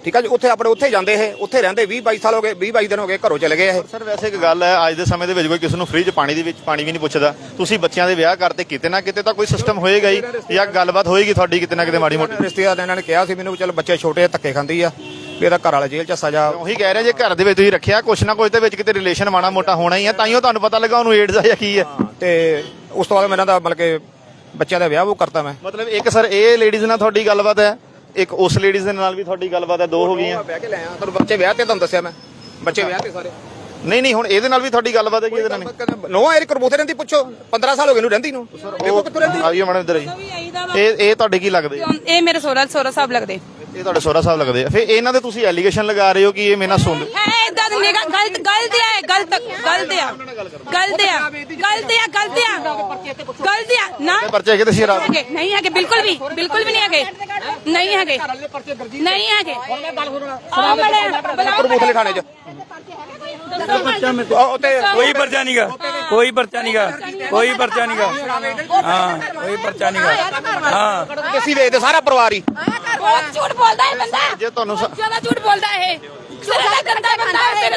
ਠੀਕ ਆ ਜੀ। ਉੱਥੇ ਆਪਣੇ ਉੱਥੇ ਜਾਂਦੇ ਇਹ, ਉੱਥੇ ਰਹਿੰਦੇ 20-22 ਸਾਲ ਹੋ ਗਏ, 20-22 ਦਿਨ ਹੋ ਗਏ, ਘਰੋਂ ਚਲੇ ਗਏ ਇਹ।
ਸਰ ਵੈਸੇ ਇੱਕ ਗੱਲ ਹੈ, ਅੱਜ ਦੇ ਸਮੇਂ ਦੇ ਵਿੱਚ ਕੋਈ ਕਿਸੇ ਨੂੰ ਫ੍ਰੀ 'ਚ ਪਾਣੀ ਦੇ ਵਿੱਚ ਪਾਣੀ ਵੀ ਨਹੀਂ ਪੁੱਛਦਾ। ਤੁਸੀਂ ਬੱਚਿਆਂ ਦੇ ਵਿਆਹ ਕਰਤੇ, ਕਿਤੇ ਨਾ ਕਿਤੇ ਤਾਂ ਕੋਈ ਸਿਸਟਮ ਹੋਏਗਾ ਹੀ, ਜਾਂ ਗੱਲਬਾਤ ਹੋਏਗੀ ਤੁਹਾਡੀ ਕਿਤੇ ਨਾ ਕਿਤੇ ਮਾੜੀ ਮੋਟੀ।
ਰਿਸ਼ਤੇਦਾਰ ਇਹਨਾਂ ਨੇ ਕਿਹਾ ਸੀ ਮੈਨੂੰ, ਚਲ ਬੱਚੇ ਛੋਟੇ ਧੱਕੇ ਖਾਂਦੀ ਆ ਵੀ ਇਹਦਾ ਘਰ ਵਾਲਾ ਜੇਲ੍ਹ 'ਚ ਸਜ਼ਾ।
ਉਹੀ ਕਹਿ ਰਿਹਾ ਜੇ ਘਰ ਦੇ ਵਿੱਚ ਤੁਸੀਂ ਰੱਖਿਆ, ਕੁਛ ਨਾ ਕੁਛ ਦੇ ਵਿੱਚ ਕਿਤੇ ਰਿਲੇਸ਼ਨ ਮਾੜਾ ਮੋਟਾ ਹੋਣਾ ਹੀ ਹੈ, ਤਾਂ ਹੀ ਉਹ ਤੁਹਾਨੂੰ ਪਤਾ ਲੱਗਾ ਉਹਨੂੰ ਏਡਜ਼ ਆ ਜਾਂ ਕੀ ਹੈ।
ਤੇ ਉਸ ਤੋਂ ਬਾਅਦ ਮੈਂ ਇਹਨਾਂ ਦਾ ਮਤਲਬ ਕਿ ਬੱਚਿਆਂ ਦਾ ਵਿਆਹ ਉਹ ਕਰਤਾ ਮੈਂ।
ਮਤਲਬ ਇੱਕ ਸਰ ਇਹ ਲੇਡੀਜ਼ ਨਾਲ ਤੁਹਾਡੀ ਗੱਲਬਾਤ ਹੈ, ਇੱਕ ਉਸ ਲੇਡੀਜ਼ ਦੇ ਨਾਲ ਵੀ ਤੁਹਾਡੀ ਗੱਲਬਾਤ ਹੈ, ਦੋ ਹੋ ਗਈਆਂ।
ਵਿਆਹ ਕੇ ਲੈ ਆ ਤੁਹਾਨੂੰ, ਬੱਚੇ ਵਿਆਹ ਤੇ ਤੁਹਾਨੂੰ ਦੱਸਿਆ ਮੈਂ, ਬੱਚੇ ਵਿਆਹ ਤੇ ਸਾਰੇ।
ਨਹੀਂ ਹੁਣ ਇਹਦੇ ਨਾਲ ਵੀ ਤੁਹਾਡੀ ਗੱਲਬਾਤ ਹੈ ਕਿ ਇਹਦੇ ਨਾਲ ਨਹੀਂ?
ਨੋ ਇਹਦੀ ਕਰਬੂਥੇ ਰਹਿੰਦੀ, ਪੁੱਛੋ 15 ਸਾਲ ਹੋ ਗਏ ਨੂੰ ਰਹਿੰਦੀ ਨੂੰ। ਦੇਖੋ ਕਿੱਥੋਂ ਰਹਿੰਦੀ।
ਆਈਓ ਮੈਡਮ ਇੱਧਰ ਆਈ। ਇਹ ਤੁਹਾਡੇ ਕੀ ਲੱਗਦੇ?
ਇਹ ਮੇਰੇ ਸੋਹਰਾ ਸਾਹਿਬ ਲੱਗਦੇ।
ਇਹ ਤੁਹਾਡੇ ਸੋਹਰਾ ਸਾਹਿਬ ਲੱਗਦੇ ਆ। ਫਿਰ ਇਹਨਾਂ ਦੇ ਤੁਸੀਂ ਐਲੀਗੇਸ਼ਨ ਲਗਾ ਰਹੇ ਹੋ ਕਿ ਇਹ ਮੇਰੇ ਨਾਲ ਸੁਣ
ਹੈ ਇਦਾਂ ਦੀ ਨਿਗਾ ਗਲਤ ਆ, ਨਾ
ਪਰਚੇ ਹੈਗੇ ਤੇ ਸ਼ਰਾਬ
ਨਹੀਂ ਹੈਗੇ, ਬਿਲਕੁਲ ਵੀ ਨਹੀਂ ਹੈਗੇ, ਨਹੀਂ ਹੈਗੇ।
ਕਰਬੂਥਲੇ ਥਾਣੇ 'ਚ
ਕੋਈ ਪਰਚਾ ਨਹੀਂਗਾ, ਕੋਈ ਪਰਚਾ ਨਹੀਂਗਾ, ਕੋਈ ਪਰਚਾ ਨਹੀਂਗਾ। ਹਾਂ ਕੋਈ ਪਰਚਾ ਨਹੀਂਗਾ। ਹਾਂ
ਅਸੀਂ ਵੇਚਦੇ ਸਾਰਾ ਪਰਿਵਾਰ ਹੀ।
ਬਹੁਤ ਝੂਠ ਬੋਲਦਾ ਹੈ ਬੰਦਾ,
ਜੇ ਤੁਹਾਨੂੰ
ਜ਼ਿਆਦਾ ਝੂਠ ਬੋਲਦਾ ਇਹ। ਸਿਰੇ ਦਾ ਗੰਦਾ ਬੰਦਾ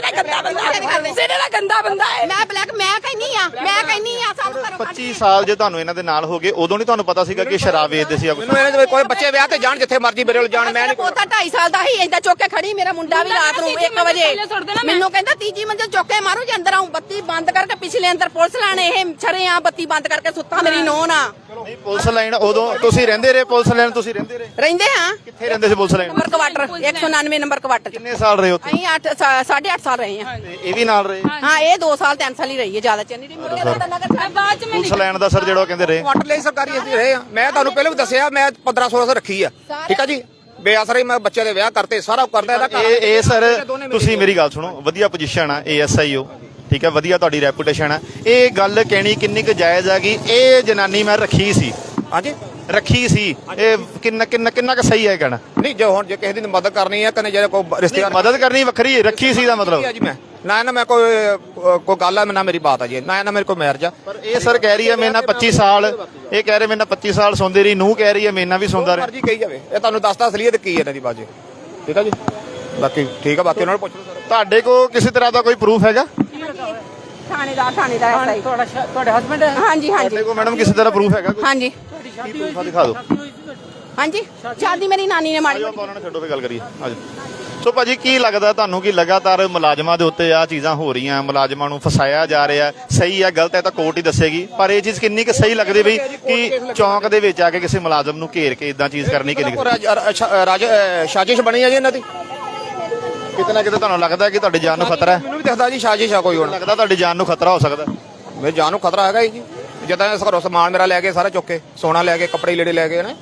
ਹੈ।
ਮੈਂ ਬਲੈਕ ਮੈਂ ਕਹਿੰਨੀ ਆ ਸਾਨੂੰ ਘਰੋਂ
25 ਸਾਲ ਜੇ ਤੁਹਾਨੂੰ ਇਹਨਾਂ ਦੇ ਨਾਲ ਹੋ ਗਏ, ਉਦੋਂ ਨਹੀਂ ਤੁਹਾਨੂੰ ਪਤਾ ਸੀਗਾ ਕਿ ਸ਼ਰਾਬ ਵੇਚਦੇ ਸੀ?
ਮੈਨੂੰ ਇਹਨਾਂ ਦੇ ਕੋਈ ਬੱਚੇ ਵਿਆਹ ਤੇ ਜਾਣ, ਜਿੱਥੇ ਮਰਜ਼ੀ ਮੇਰੇ ਕੋਲ ਜਾਣ, ਮੈਂ ਨਹੀਂ।
ਪੋਤਾ 2.5 ਸਾਲ ਦਾ ਹੀ ਏਦਾਂ ਚੁੱਕ ਕੇ ਖੜੀ, ਮੇਰਾ ਮੁੰਡਾ ਵੀ ਰਾਤ ਨੂੰ 1 ਵਜੇ ਮੈਨੂੰ ਕਹਿੰਦਾ ਤੀਜੀ ਮੰਜ਼ਿਲ ਚੁੱਕ ਕੇ ਮਾਰੂ ਜੇ ਅੰਦਰ ਆਉਂ। ਬੱਤੀ ਬੰਦ ਕਰਕੇ ਪਿਛਲੇ ਅੰਦਰ ਪੁਲਿਸ ਲਾਣੇ ਇਹ ਛੜਿਆਂ ਬੱਤੀ ਬੰਦ ਕਰਕੇ ਸੁੱਤਾ ਮੇਰੀ ਨੋਹ ਨਾ।
ਨਹੀਂ ਪੁਲਿਸ ਲਾਈਨ ਉਦੋਂ ਤੁਸੀਂ ਰਹਿੰਦੇ ਰਹੇ? ਪੁਲਿਸ ਲਾਈਨ ਤੁਸੀਂ ਰਹਿੰਦੇ ਰਹੇ?
ਰਹਿੰਦੇ ਹਾਂ।
ਕਿੱਥੇ ਰਹਿੰਦੇ ਸੀ police line?
Number quarter 199 number quarter.
ਕਿੰਨੇ ਸਾਲ ਰਹੇ ਉੱਥੇ?
ਅਸੀਂ 8.5 ਸਾਲ ਰਹੇ ਹਾਂ।
ਤੇ ਇਹ ਵੀ ਨਾਲ ਰਹੇ?
ਹਾਂ ਇਹ 2 ਸਾਲ 3 ਸਾਲ ਹੀ ਰਹੀ ਹੈ, ਜ਼ਿਆਦਾ ਚਿਰ ਨਹੀਂ ਰਹੀ।
ਬਾਅਦ ਚ
ਪੁਲਿਸ ਲਾਈਨ ਦਾ ਸਰ ਜਿਹੜਾ ਉਹ ਕਹਿੰਦੇ ਰਹੇ
ਕੁਆਟਰ ਲਈ ਸਰਕਾਰੀ ਅਸੀਂ ਰਹੇ ਆ। ਮੈਂ ਤੁਹਾਨੂੰ ਪਹਿਲਾਂ ਵੀ ਦੱਸਿਆ, ਮੈਂ 1500 ਰੱਖੀ ਆ। ਠੀਕ ਆ ਜੀ, ਬੇਅਸਰ ਹੀ ਮੈਂ ਬੱਚੇ ਦੇ ਵਿਆਹ ਕਰਤੇ, ਸਾਰਾ ਕਰਦਾ ਇਹਦਾ।
ਇਹ ਸਰ ਤੁਸੀਂ ਮੇਰੀ ਗੱਲ ਸੁਣੋ, ਵਧੀਆ ਪੋਜੀਸ਼ਨ ਆ ASI ਹੋ, ਠੀਕ ਹੈ, ਵਧੀਆ ਤੁਹਾਡੀ ਰੈਪੂਟੇਸ਼ਨ ਆ। ਇਹ ਗੱਲ ਕਹਿਣੀ ਕਿੰਨੀ ਕੁ ਜਾਇਜ਼ ਆ ਕਿ ਇਹ ਜਨਾਨੀ ਮੈਂ ਰੱਖੀ ਸੀ?
ਹਾਂਜੀ
ਰੱਖੀ ਸੀ, ਇਹ ਕਿੰਨਾ ਕੁ ਸਹੀ ਹੈ ਕਹਿਣਾ?
ਨਹੀਂ, ਜੇ ਹੁਣ ਜੇ ਕਿਸੇ ਦੀ ਮਦਦ ਕਰਨੀ ਹੈ, ਕਨੇ ਜਿਹੜੇ ਕੋਈ ਰਿਸ਼ਤੇਦਾਰ
ਮਦਦ ਕਰਨੀ ਵੱਖਰੀ, ਰੱਖੀ ਸੀ ਦਾ ਮਤਲਬ
ਜੀ ਮੈਂ ਨਾ ਮੈਂ ਕੋਈ ਗੱਲ ਹੈ ਨਾ ਮੇਰੀ ਬਾਤ ਆ ਜੀ, ਨਾ ਮੇਰੇ ਕੋਈ ਮੈਰਿਜ ਆ।
ਪਰ ਇਹ ਸਰ ਕਹਿ ਰਹੀ ਹੈ ਮੇਰੇ ਨਾਲ 25 ਸਾਲ, ਇਹ ਕਹਿ ਰਹੇ ਮੇਰੇ ਨਾਲ 25 ਸਾਲ ਸੌਂਦੇ ਰਹੀ, ਨੂੰ ਕਹਿ ਰਹੀ ਹੈ ਮੇਰੇ ਨਾਲ ਵੀ ਸੌਂਦਾ ਰਿਹਾ।
ਮਰਜੀ ਕਹੀ ਜਾਵੇ, ਇਹ ਤੁਹਾਨੂੰ ਦੱਸਦਾ ਅਸਲੀਅਤ ਕੀ ਹੈ ਇਹਨਾਂ ਦੀ ਬਾਜੀ। ਠੀਕ ਆ ਜੀ, ਬਾਕੀ ਠੀਕ ਆ, ਬਾਕੀ ਉਹਨਾਂ ਨੂੰ ਪੁੱਛ ਲਓ।
ਤੁਹਾਡੇ ਕੋਲ ਕਿਸੇ ਤਰ੍ਹਾਂ ਦਾ ਕੋਈ ਪ੍ਰੂਫ ਹੈਗਾ?
ਥਾਣੇਦਾਰ ਐਸਆਈ
ਤੁਹਾਡੇ ਹਸਬੰਡ?
ਹਾਂਜੀ
ਤੁਹਾਡੇ ਕੋਲ ਮੈਡਮ ਕਿਸੇ ਤਰ੍ਹਾਂ ਪ੍ਰੂਫ ਹੈਗਾ?
ਹਾਂਜੀ
ਕੀ ਪ੍ਰੂਫ ਆ ਦਿਖਾ ਦਿਓ।
ਹਾਂਜੀ ਸ਼ਾਦੀ ਮੇਰੀ ਨਾਨੀ ਨੇ ਮਾਰੀ।
ਆਜੋ ਆਪਾਂ ਉਹਨਾਂ ਨੂੰ ਛੱਡੋ, ਫੇ ਗੱਲ ਕਰੀਏ। ਆਜੋ। ਸੋ ਭਾਜੀ ਕੀ ਲੱਗਦਾ ਤੁਹਾਨੂੰ ਕਿ ਲਗਾਤਾਰ ਮੁਲਾਜ਼ਮਾਂ ਦੇ ਉੱਤੇ ਆ ਚੀਜ਼ਾਂ ਹੋ ਰਹੀਆਂ, ਮੁਲਾਜ਼ਮਾਂ ਨੂੰ ਫਸਾਇਆ ਜਾ ਰਿਹਾ, ਸਹੀ ਹੈ ਗਲਤ ਹੈ ਤਾਂ ਕੋਰਟ ਹੀ ਦੱਸੇਗੀ, ਪਰ ਇਹ ਚੀਜ਼ ਕਿੰਨੀ ਕੁ ਸਹੀ ਲੱਗਦੀ ਬਈ ਕਿ ਚੌਂਕ ਦੇ ਵਿੱਚ ਆ ਕੇ ਕਿਸੇ ਮੁਲਾਜ਼ਮ ਨੂੰ ਘੇਰ ਕੇ ਇਦਾਂ ਚੀਜ਼ ਕਰਨੀ ਕਿੰਨੀ
ਸਾਜ਼ਿਸ਼ ਬਣੀ ਹੈ ਜੀ ਇਹਨਾਂ ਦੀ?
ਕਿਤੇ ਨਾ ਕਿਤੇ ਤੁਹਾਨੂੰ ਲੱਗਦਾ ਕਿ ਤੁਹਾਡੀ ਜਾਨ ਨੂੰ ਖਤਰਾ ਹੈ?
ਮੈਨੂੰ ਵੀ ਦਿਖਦਾ ਜੀ ਸਾਜ਼ਿਸ਼ ਆ ਕੋਈ। ਹੁਣ
ਲੱਗਦਾ ਤੁਹਾਡੀ ਜਾਨ ਨੂੰ ਖਤਰਾ ਹੋ ਸਕਦਾ?
ਮੇਰੀ ਜਾਨ ਨੂੰ ਖਤਰਾ ਹੈਗਾ ਜੀ। ਜਿੱਦਾਂ ਘਰੋਂ ਸਮਾਨ ਮੇਰਾ ਲੈ ਕੇ ਸਾਰਾ ਚੁੱਕ ਕੇ, ਸੋਨਾ ਲੈ ਕੇ, ਕੱਪੜੇ ਲੀੜੇ ਲੈ ਕੇ ਨਾ।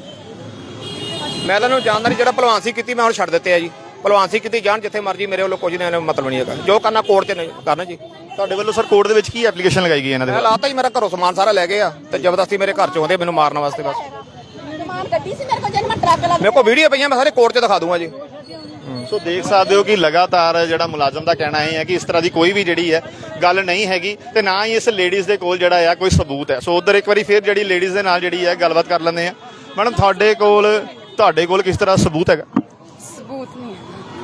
ਮੈਂ ਤੁਹਾਨੂੰ ਜਾਣਦਾ ਨਹੀਂ, ਜਿਹੜਾ ਭਲਵਾਨਸੀ ਕੀਤੀ ਮੈਂ ਹੁਣ ਛੱਡ ਦਿੱਤੇ ਆ ਜੀ। ਭਲਵਾਨਸੀ ਕੀਤੀ ਜਾਣ ਜਿੱਥੇ ਮਰਜੀ, ਮੇਰੇ ਵੱਲੋਂ ਕੁਝ ਨਹੀਂ ਮਤਲਬ ਨਹੀਂ ਹੈਗਾ। ਜੋ ਕਰਨਾ ਕੋਰਟ 'ਚ ਕਰਨਾ ਜੀ।
ਤੁਹਾਡੇ ਵੱਲੋਂ ਸਰ ਕੋਰਟ ਦੇ ਵਿੱਚ ਕੀ ਐਪਲੀਕੇਸ਼ਨ ਲਗਾਈ ਗਈ ਇਹਨਾਂ ਦੇ?
ਮੈਂ ਲਾਤਾ ਜੀ, ਮੇਰਾ ਘਰੋਂ ਸਮਾਨ ਸਾਰਾ ਲੈ ਗਏ ਆ ਤੇ ਜ਼ਬਰਦਸਤੀ ਮੇਰੇ ਘਰ 'ਚ ਆਉਂਦੇ ਮੈਨੂੰ ਮਾਰਨ ਵਾਸਤੇ। ਬਸ
ਗੱਡੀ ਸੀ ਮੇਰੇ ਕੋਲ, ਜਦ ਮੈਂ ਟਰੱਕ ਲਾ
ਮੇਰੇ ਕੋਲ ਵੀਡੀਓ ਪਈਆਂ, ਮੈਂ ਸਾਰੇ ਕੋਰਟ 'ਚ ਦਿਖਾ ਦੂੰਗਾ ਜੀ।
ਸੋ ਦੇਖ ਸਕਦੇ ਹੋ ਕਿ ਲਗਾਤਾਰ ਜਿਹੜਾ ਮੁਲਾਜ਼ਮ ਦਾ ਕਹਿਣਾ ਇਹ ਹੈ ਕਿ ਇਸ ਤਰ੍ਹਾਂ ਦੀ ਕੋਈ ਵੀ ਜਿਹੜੀ ਹੈ ਗੱਲ ਨਹੀਂ ਹੈਗੀ ਤੇ ਨਾ ਹੀ ਇਸ ਲੇਡੀਜ਼ ਦੇ ਕੋਲ ਜਿਹੜਾ ਆ ਕੋਈ ਸਬੂਤ ਹੈ। ਸੋ ਉਧਰ ਇੱਕ ਵਾਰੀ ਫਿਰ ਜਿਹੜੀ ਲੇਡੀਜ਼ ਦੇ ਨਾਲ ਜਿਹੜੀ ਹੈ ਗੱਲਬਾਤ ਕਰ ਲੈਂਦੇ ਆ। ਮੈਡਮ ਤੁਹਾਡੇ ਕੋਲ ਕਿਸ ਤਰ੍ਹਾਂ ਸਬੂਤ ਹੈਗਾ?
ਸਬੂਤ ਨਹੀਂ